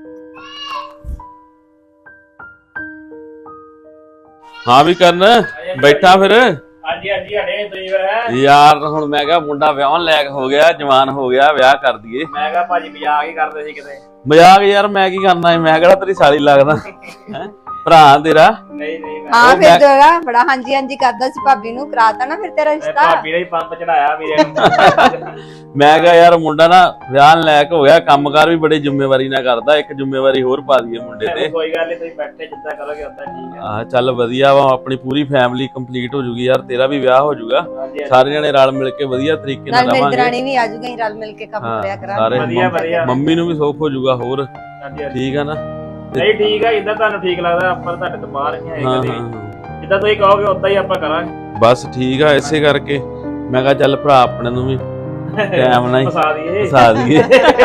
[SPEAKER 2] ਹਾਂ ਵੀ ਕਰਨ ਬੈਠਾ ਫਿਰ
[SPEAKER 8] ਹਾਂਜੀ ਹਾਂਜੀ ਹੜੇ ਤੁਸੀਂ ਫਿਰ
[SPEAKER 2] ਯਾਰ ਹੁਣ ਮੈਂ ਕਿਹਾ ਮੁੰਡਾ ਵਿਆਹਣ ਲਾਇਕ ਹੋ ਗਿਆ, ਜਵਾਨ ਹੋ ਗਿਆ, ਵਿਆਹ ਕਰ ਦਈਏ।
[SPEAKER 8] ਮੈਂ ਕਿਹਾ ਭਾਜੀ ਮਜ਼ਾਕ ਹੀ ਕਰਦੇ ਸੀ ਕਿਤੇ।
[SPEAKER 2] ਮਜ਼ਾਕ ਯਾਰ ਮੈਂ ਕੀ ਕਰਨਾ ਹੈ, ਮੈਂ ਕਿਹੜਾ ਤੇਰੀ ਸਾਲੀ ਲੱਗਦਾ ਹੈ, ਭਰਾ ਤੇਰਾ।
[SPEAKER 8] ਨਹੀਂ ਨਹੀਂ ਮੈਂ
[SPEAKER 6] ਹਾਂ
[SPEAKER 2] ਉਹ
[SPEAKER 6] ਫਿਰ
[SPEAKER 2] ਮੈਂ-
[SPEAKER 6] ਜਗਾ ਬੜਾ ਹਾਂਜੀ ਹਾਂਜੀ ਕਰਦਾ ਸੀ, ਭਾਬੀ ਨੂੰ ਕਰਾਤਾ ਨਾ ਫਿਰ ਤੇਰਾ
[SPEAKER 8] ਮੈਂ
[SPEAKER 6] ਰਿਸ਼ਤਾ।
[SPEAKER 8] ਭਾਬੀ ਨੇ ਹੀ ਪੰਪ ਚੜਾਇਆ ਵੀਰੇ ਨੂੰ।
[SPEAKER 2] ਮੈਂ ਕਿਹਾ ਯਾਰ ਮੁੰਡਾ ਨਾ ਵਿਆਹਣ ਲਾਇਕ ਹੋ ਗਿਆ, ਕੰਮਕਾਰ ਵੀ ਬੜੀ ਜ਼ਿੰਮੇਵਾਰੀ ਨਾਲ ਕਰਦਾ, ਇੱਕ ਜ਼ਿੰਮੇਵਾਰੀ ਹੋਰ ਪਾ ਦਈਏ ਮੁੰਡੇ ਤੇ।
[SPEAKER 8] ਕੋਈ ਗੱਲ ਨਹੀਂ, ਤੁਸੀਂ ਬੈਠੇ ਜਿੱਦਾਂ ਕਰੋਗੇ ਉਦਾਂ ਠੀਕ ਹੈ।
[SPEAKER 2] ਆਹ ਚੱਲ ਵਧੀਆ ਵਾ, ਆਪਣੀ ਪੂਰੀ ਫੈਮਿਲੀ ਕੰਪਲੀਟ ਹੋ ਜੂਗੀ ਯਾਰ, ਤੇਰਾ ਵੀ ਵਿਆਹ ਹੋ ਜੂਗਾ,
[SPEAKER 8] ਹਾਂਜੀ
[SPEAKER 2] ਸਾਰੇ ਜਣੇ ਰਲ ਮਿਲ ਕੇ ਵਧੀਆ ਤਰੀਕੇ ਨਾਲ
[SPEAKER 6] ਨਾਲ ਮੇਰੀ
[SPEAKER 2] ਰਵਾਂਗੇ।
[SPEAKER 6] ਦਰਾਣੀ ਵੀ ਆ ਜੂਗੀ, ਅਸੀਂ ਰਲ ਮਿਲ ਕੇ ਕੰਮ
[SPEAKER 2] ਹਾਂ,
[SPEAKER 6] ਕਰਿਆ
[SPEAKER 2] ਸਾਰੇ
[SPEAKER 6] ਕਰਾਂਗੇ।
[SPEAKER 8] ਵਧੀਆ ਵਧੀਆ।
[SPEAKER 2] ਮੰਮੀ ਨੂੰ ਵੀ ਸੁੱਖ ਹੋ ਜੂਗਾ ਹੋਰ,
[SPEAKER 8] ਹਾਂਜੀ ਹਾਂਜੀ
[SPEAKER 2] ਠੀਕ ਆ ਨਾ।
[SPEAKER 8] ਨਹੀਂ ਠੀਕ ਹੈ, ਜਿੱਦਾਂ ਤੁਹਾਨੂੰ ਠੀਕ ਲੱਗਦਾ, ਆਪਾਂ ਤੁਹਾਡੇ ਤੋਂ ਬਾਹਰ ਨਹੀਂ
[SPEAKER 2] ਹਾਂ
[SPEAKER 8] ਹੈਗੇ
[SPEAKER 2] ਹਾਂ
[SPEAKER 8] ਕਦੇ।
[SPEAKER 2] ਹਾਂ,
[SPEAKER 8] ਜਿੱਦਾਂ ਤੁਸੀਂ ਕਹੋਗੇ ਉਦਾਂ ਹੀ ਆਪਾਂ ਕਰਾਂਗੇ।
[SPEAKER 2] ਬਸ ਠੀਕ ਆ, ਇਸੇ ਕਰਕੇ ਮੈਂ ਕਿਹਾ ਚੱਲ ਭਰਾ ਆਪਣੇ ਨੂੰ ਵੀ ਟਾਈਮ ਨਾਲ ਹੀ
[SPEAKER 8] ਫਸਾ ਦਈਏ
[SPEAKER 2] ਫਸਾ ਦਈਏ।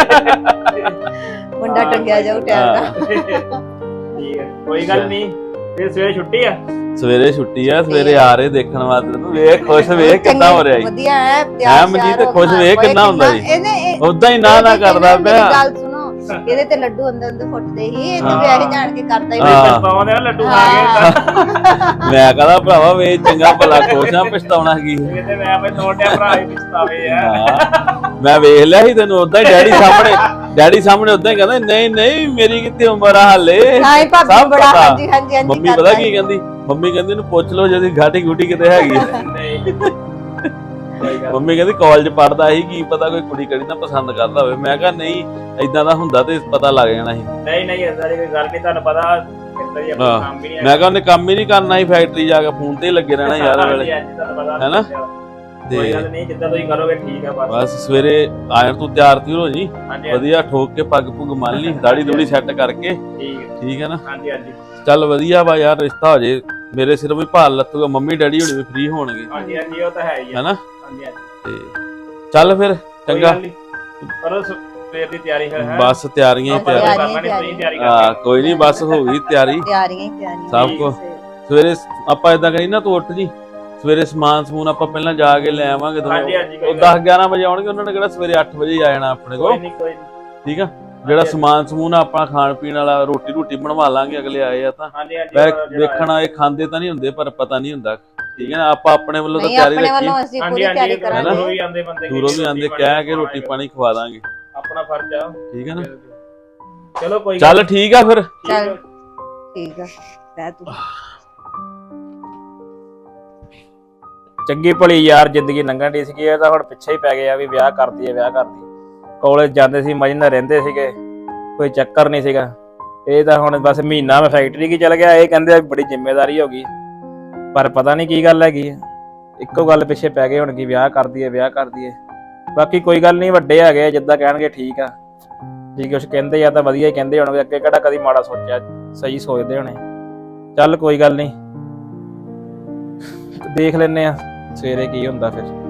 [SPEAKER 6] ਮੁੰਡਾ ਟੰਗਿਆ ਜਾਊ ਟਾਈਮ ਨਾਲ।
[SPEAKER 8] ਠੀਕ ਹੈ, ਕੋਈ ਗੱਲ ਨਹੀਂ। ਫਿਰ ਸਵੇਰੇ ਛੁੱਟੀ ਆ।
[SPEAKER 2] ਸਵੇਰੇ ਛੁੱਟੀ ਆ, ਸਵੇਰੇ ਆ ਰਹੇ ਦੇਖਣ ਵਾਸਤੇ ਤੂੰ ਵੇਖ ਖੁਸ਼ ਵੇਖ ਕਿੱਦਾਂ ਹੋ ਰਿਹਾ ਈ।
[SPEAKER 6] ਵਧੀਆ ਹੈ
[SPEAKER 2] ਹੈਂ
[SPEAKER 6] ਤਿਆਰ
[SPEAKER 2] ਮਨਜੀਤ,
[SPEAKER 6] ਸ਼ਿਆਰ ਹੋ
[SPEAKER 2] ਖੁਸ਼ ਵੇਖ
[SPEAKER 6] ਓਏ
[SPEAKER 2] ਕਿੰਨਾ ਹੁੰਦਾ ਜੀ।
[SPEAKER 6] ਇਹਨੇ
[SPEAKER 2] ਉਦਾਂ ਹੀ ਨਾ ਨਾ
[SPEAKER 6] ਇਹਦੇ ਤੇ
[SPEAKER 2] ਕਰਦਾ
[SPEAKER 6] ਮੇਰੀ
[SPEAKER 2] ਪਿਆ।
[SPEAKER 6] ਗੱਲ ਸੁਣੋ, ਇਹਦੇ ਤੇ ਲੱਡੂ ਅੰਦਰ ਅੰਦਰ ਫੁੱਟਦੇ ਹੀ, ਇਹ ਤੇ
[SPEAKER 2] ਹਾਂ।
[SPEAKER 6] ਵਿਆਹ ਜਾਣ ਕੇ ਕਰਦਾ ਹੀ
[SPEAKER 2] ਹਾਂ।
[SPEAKER 8] ਪਛਤਾਉਂਦੇ ਆ ਲੱਡੂ ਖਾ ਕੇ।
[SPEAKER 2] ਮੈਂ ਕਹਦਾ ਭਰਾਵਾ ਵੇ ਚੰਗਾ ਭਲਾ ਖੁਸ਼ ਆ, ਪਛਤਾਉਣਾ ਕੀ।
[SPEAKER 8] ਕਿਤੇ ਮੈਂ ਆਪਣੇ ਛੋਟੇ ਭਰਾ ਹੀ ਪਛਤਾਵੇ ਆ।
[SPEAKER 2] ਹਾਂ, ਮੈਂ ਵੇਖ ਲਿਆ ਸੀ ਤੈਨੂੰ ਉਦਾਂ ਹੀ ਡੈਡੀ ਸਾਹਮਣੇ, ਡੈਡੀ ਸਾਹਮਣੇ ਉਦਾਂ ਹੀ ਕਹਿੰਦਾ ਨਹੀਂ ਨਹੀਂ ਮੇਰੀ ਕਿਤੇ ਉਮਰ ਆ ਹਾਲੇ।
[SPEAKER 6] ਹਾਂ ਭਾਬੀ
[SPEAKER 2] ਸਭ
[SPEAKER 6] ਬੜਾ
[SPEAKER 2] ਪਤਾ।
[SPEAKER 6] ਹਾਂਜੀ ਹਾਂਜੀ ਹਾਂਜੀ
[SPEAKER 2] ਮੰਮੀ ਪਤਾ ਕੀ ਕਹਿੰਦੀ, ਮੰਮੀ ਕਹਿੰਦੀ ਇਹਨੂੰ ਪੁੱਛ ਲਓ ਜਿਹਦੀ ਘਾਟੀ ਘੂਟੀ ਕਿਤੇ ਹੈਗੀ ਆ।
[SPEAKER 8] ਨਹੀਂ ਕੋਈ ਗੱਲ
[SPEAKER 2] ਮੰਮੀ ਕਹਿੰਦੀ ਕਾਲਜ ਪੜਦਾ ਸੀ, ਕੀ ਪਤਾ ਕੋਈ ਕੁੜੀ ਕੜੀ ਨਾ ਪਸੰਦ ਕਰਦਾ ਹੋਵੇ। ਮੈਂ ਕਿਹਾ ਨਹੀਂ ਇਦਾਂ ਦਾ ਹੁੰਦਾ ਤੇ ਪਤਾ ਲੱਗ ਜਾਣਾ ਸੀ।
[SPEAKER 8] ਨਹੀਂ ਨਹੀਂ ਇਦਾਂ ਦੀ ਕੋਈ ਗੱਲ ਨਹੀਂ, ਤੁਹਾਨੂੰ ਪਤਾ ਕਿੱਦਾਂ ਦੀ ਆਪਣਾ
[SPEAKER 2] ਹਾਂ।
[SPEAKER 8] ਕੰਮ ਵੀ ਨਹੀਂ
[SPEAKER 2] ਮੈਂ ਕਿਹਾ ਉਹਨੇ ਕੰਮ ਹੀ ਨਹੀਂ ਕਰਨਾ ਸੀ, ਫੈਕਟਰੀ ਜਾ ਕੇ ਫੋਨ ਤੇ ਹੀ ਲੱਗੇ ਰਹਿਣਾ ਯਾਰ ਵੇਲੇ।
[SPEAKER 8] ਹਾਂਜੀ ਹਾਂਜੀ ਤੁਹਾਨੂੰ ਪਤਾ
[SPEAKER 2] ਹੈਨਾ?
[SPEAKER 8] ਕੋਈ
[SPEAKER 2] ਤੇ
[SPEAKER 8] ਗੱਲ ਨਹੀਂ, ਜਿੱਦਾਂ ਤੁਸੀਂ ਕਰੋਗੇ ਠੀਕ ਆ ਬਸ।
[SPEAKER 2] ਬਸ ਸਵੇਰੇ ਆਇਆ ਤੂੰ ਤਿਆਰ ਤਿਉਰ ਹੋ ਜੀ,
[SPEAKER 8] ਹਾਂਜੀ
[SPEAKER 2] ਵਧੀਆ ਠੋਕ ਕੇ ਪੱਗ ਪੁੱਗ ਮੰਨ ਲਈ, ਦਾੜੀ ਦੂੜੀ ਸੈੱਟ ਕਰਕੇ,
[SPEAKER 8] ਠੀਕ ਹੈ।
[SPEAKER 2] ਠੀਕ ਹੈ ਨਾ।
[SPEAKER 8] ਹਾਂਜੀ ਹਾਂਜੀ
[SPEAKER 2] ਚੱਲ ਵਧੀਆ ਵਾ ਯਾਰ, ਰਿਸ਼ਤਾ ਹੋ ਜੇ ਮੇਰੇ ਸਿਰ ਵੀ ਭਾਲ ਲੱਥੂਗਾ, ਮੰਮੀ ਡੈਡੀ ਹੁਣੀ ਵੀ ਫ੍ਰੀ ਹੋਣਗੇ,
[SPEAKER 8] ਹਾਂਜੀ ਹਾਂਜੀ ਉਹ ਤਾਂ ਹੈ ਹੀ ਆ।
[SPEAKER 2] ਹੈਨਾ।
[SPEAKER 8] ਹਾਂਜੀ ਹਾਂਜੀ
[SPEAKER 2] ਤੇ ਚੱਲ ਫਿਰ
[SPEAKER 8] ਕੋਈ
[SPEAKER 2] ਚੰਗਾ,
[SPEAKER 8] ਗੱਲ ਨੀ। ਕਰੋ ਸਵੇਰ ਦੀ ਤਿਆਰੀ ਫਿਰ ਹੈ।
[SPEAKER 2] ਬਸ ਤਿਆਰੀਆਂ ਹੀ
[SPEAKER 8] ਆਪਾਂ
[SPEAKER 2] ਤਿਆਰੀ।
[SPEAKER 8] ਤਾਂ ਕਰਨਾ ਨੀ, ਤੁਸੀਂ ਤਿਆਰੀ
[SPEAKER 2] ਹਾਂ
[SPEAKER 8] ਕਰਕੇ
[SPEAKER 2] ਕੋਈ ਨਹੀਂ, ਬਸ ਹੋ ਗਈ ਤਿਆਰੀ
[SPEAKER 6] ਤਿਆਰੀਆਂ ਹੀ ਤਿਆਰੀਆਂ
[SPEAKER 2] ਸਭ ਕੁਛ। ਸਵੇਰੇ ਆਪਾਂ ਏਦਾਂ ਕਰੀ ਨਾ, ਤੂੰ ਉੱਠ ਜੀ ਸਵੇਰੇ, ਸਮਾਨ ਸਮੂਨ ਆਪਾਂ ਪਹਿਲਾਂ ਜਾ ਕੇ ਲੈ ਆਵਾਂਗੇ।
[SPEAKER 8] ਹਾਂਜੀ ਹਾਂਜੀ
[SPEAKER 2] ਉਹ
[SPEAKER 8] ਕੋਈ
[SPEAKER 2] ਦਸ ਗਿਆਰਾਂ ਵਜੇ ਆਉਣਗੇ, ਉਹਨਾਂ ਨੇ ਕਿਹੜਾ ਸਵੇਰੇ ਅੱਠ ਵਜੇ ਹੀ ਆ ਜਾਣਾ ਆਪਣੇ ਕੋਲ,
[SPEAKER 8] ਨਹੀਂ ਕੋਈ ਨੀ।
[SPEAKER 2] ਠੀਕ ਆ। ਜਿਹੜਾ ਸਮਾਨ ਸਮੂਨ ਆਪਾਂ ਖਾਣ ਪੀਣ ਵਾਲਾ, ਰੋਟੀ ਰੋਟੀ ਬਣਵਾ ਲਾਂਗੇ, ਅਗਲੇ ਆਏ ਆ ਤਾਂ
[SPEAKER 8] ਹਾਂਜੀ ਹਾਂਜੀ
[SPEAKER 2] ਵੈ
[SPEAKER 8] ਉਹ ਜਿਹੜਾ
[SPEAKER 2] ਵੇਖਣਾ ਇਹ ਖਾਂਦੇ ਤਾਂ ਨਹੀਂ ਹੁੰਦੇ, ਪਰ ਪਤਾ ਨਹੀਂ ਹੁੰਦਾ, ਠੀਕ ਹੈ ਨਾ। ਆਪਾਂ ਆਪਣੇ ਵੱਲੋਂ ਤਾਂ
[SPEAKER 6] ਨਹੀਂ
[SPEAKER 2] ਤਿਆਰੀ
[SPEAKER 6] ਆਪਣੇ
[SPEAKER 2] ਰੱਖੀ,
[SPEAKER 6] ਵੱਲੋਂ ਅਸੀਂ
[SPEAKER 8] ਹਾਂਜੀ
[SPEAKER 6] ਪੂਰੀ
[SPEAKER 8] ਹਾਂਜੀ
[SPEAKER 6] ਤਿਆਰੀ
[SPEAKER 8] ਦੂਰੋਂ
[SPEAKER 6] ਕਰਾਂਗੇ।
[SPEAKER 8] ਵੀ ਆਉਂਦੇ ਬੰਦੇ
[SPEAKER 2] ਦੂਰੋਂ ਵੀ ਆਂਦੇ ਕਹਿ ਕੇ ਰੋਟੀ ਪਾਣੀ ਖਵਾ ਦਾਂਗੇ,
[SPEAKER 8] ਆਪਣਾ ਫਰਜ਼ ਆ।
[SPEAKER 2] ਠੀਕ ਹੈ ਨਾ।
[SPEAKER 8] ਚਲੋ ਕੋਈ
[SPEAKER 2] ਚੱਲ ਠੀਕ ਆ ਫਿਰ।
[SPEAKER 6] ਚੱਲ ਠੀਕ ਆ, ਰਹਿ ਤੂੰ।
[SPEAKER 8] ਚੰਗੀ ਭਲੀ ਯਾਰ ਜ਼ਿੰਦਗੀ ਲੰਘਣ ਦੀ ਸੀਗੀ, ਇਹ ਤਾਂ ਹੁਣ ਪਿੱਛੇ ਹੀ ਪੈ ਗਏ ਆ ਵੀ ਵਿਆਹ ਕਰਦੀ ਹੈ ਵਿਆਹ ਕਰਦੀ। ਕਾਲਜ ਜਾਂਦੇ ਸੀ, ਮਜ਼ੇ ਨਾਲ ਰਹਿੰਦੇ ਸੀਗੇ, ਕੋਈ ਚੱਕਰ ਨਹੀਂ ਸੀਗਾ। ਇਹ ਤਾਂ ਹੁਣ ਬਸ ਮਹੀਨਾ ਮੈਂ ਫੈਕਟਰੀ ਕੀ ਚਲ ਗਿਆ, ਇਹ ਕਹਿੰਦੇ ਆ ਬੜੀ ਜ਼ਿੰਮੇਵਾਰੀ ਹੋ ਗਈ, ਪਰ ਪਤਾ ਨਹੀਂ ਕੀ ਗੱਲ ਹੈਗੀ। ਇੱਕੋ ਗੱਲ ਪਿੱਛੇ ਪੈ ਗਏ ਹੁਣ ਕੀ ਵਿਆਹ ਕਰਦੀ ਹੈ ਵਿਆਹ ਕਰਦੀ ਹੈ। ਬਾਕੀ ਕੋਈ ਗੱਲ ਨਹੀਂ, ਵੱਡੇ ਹੈਗੇ ਜਿੱਦਾਂ ਕਹਿਣਗੇ ਠੀਕ ਆ, ਜੇ ਕੁਛ ਕਹਿੰਦੇ ਆ ਤਾਂ ਵਧੀਆ ਹੀ ਕਹਿੰਦੇ ਹੋਣਗੇ, ਅੱਗੇ ਕਿਹੜਾ ਕਦੀ ਮਾੜਾ ਸੋਚਿਆ, ਸਹੀ ਸੋਚਦੇ ਹੋਣੇ। ਚੱਲ ਕੋਈ ਗੱਲ ਨਹੀਂ, ਦੇਖ ਲੈਨੇ ਆ ਸਵੇਰੇ ਕੀ ਹੁੰਦਾ ਫਿਰ।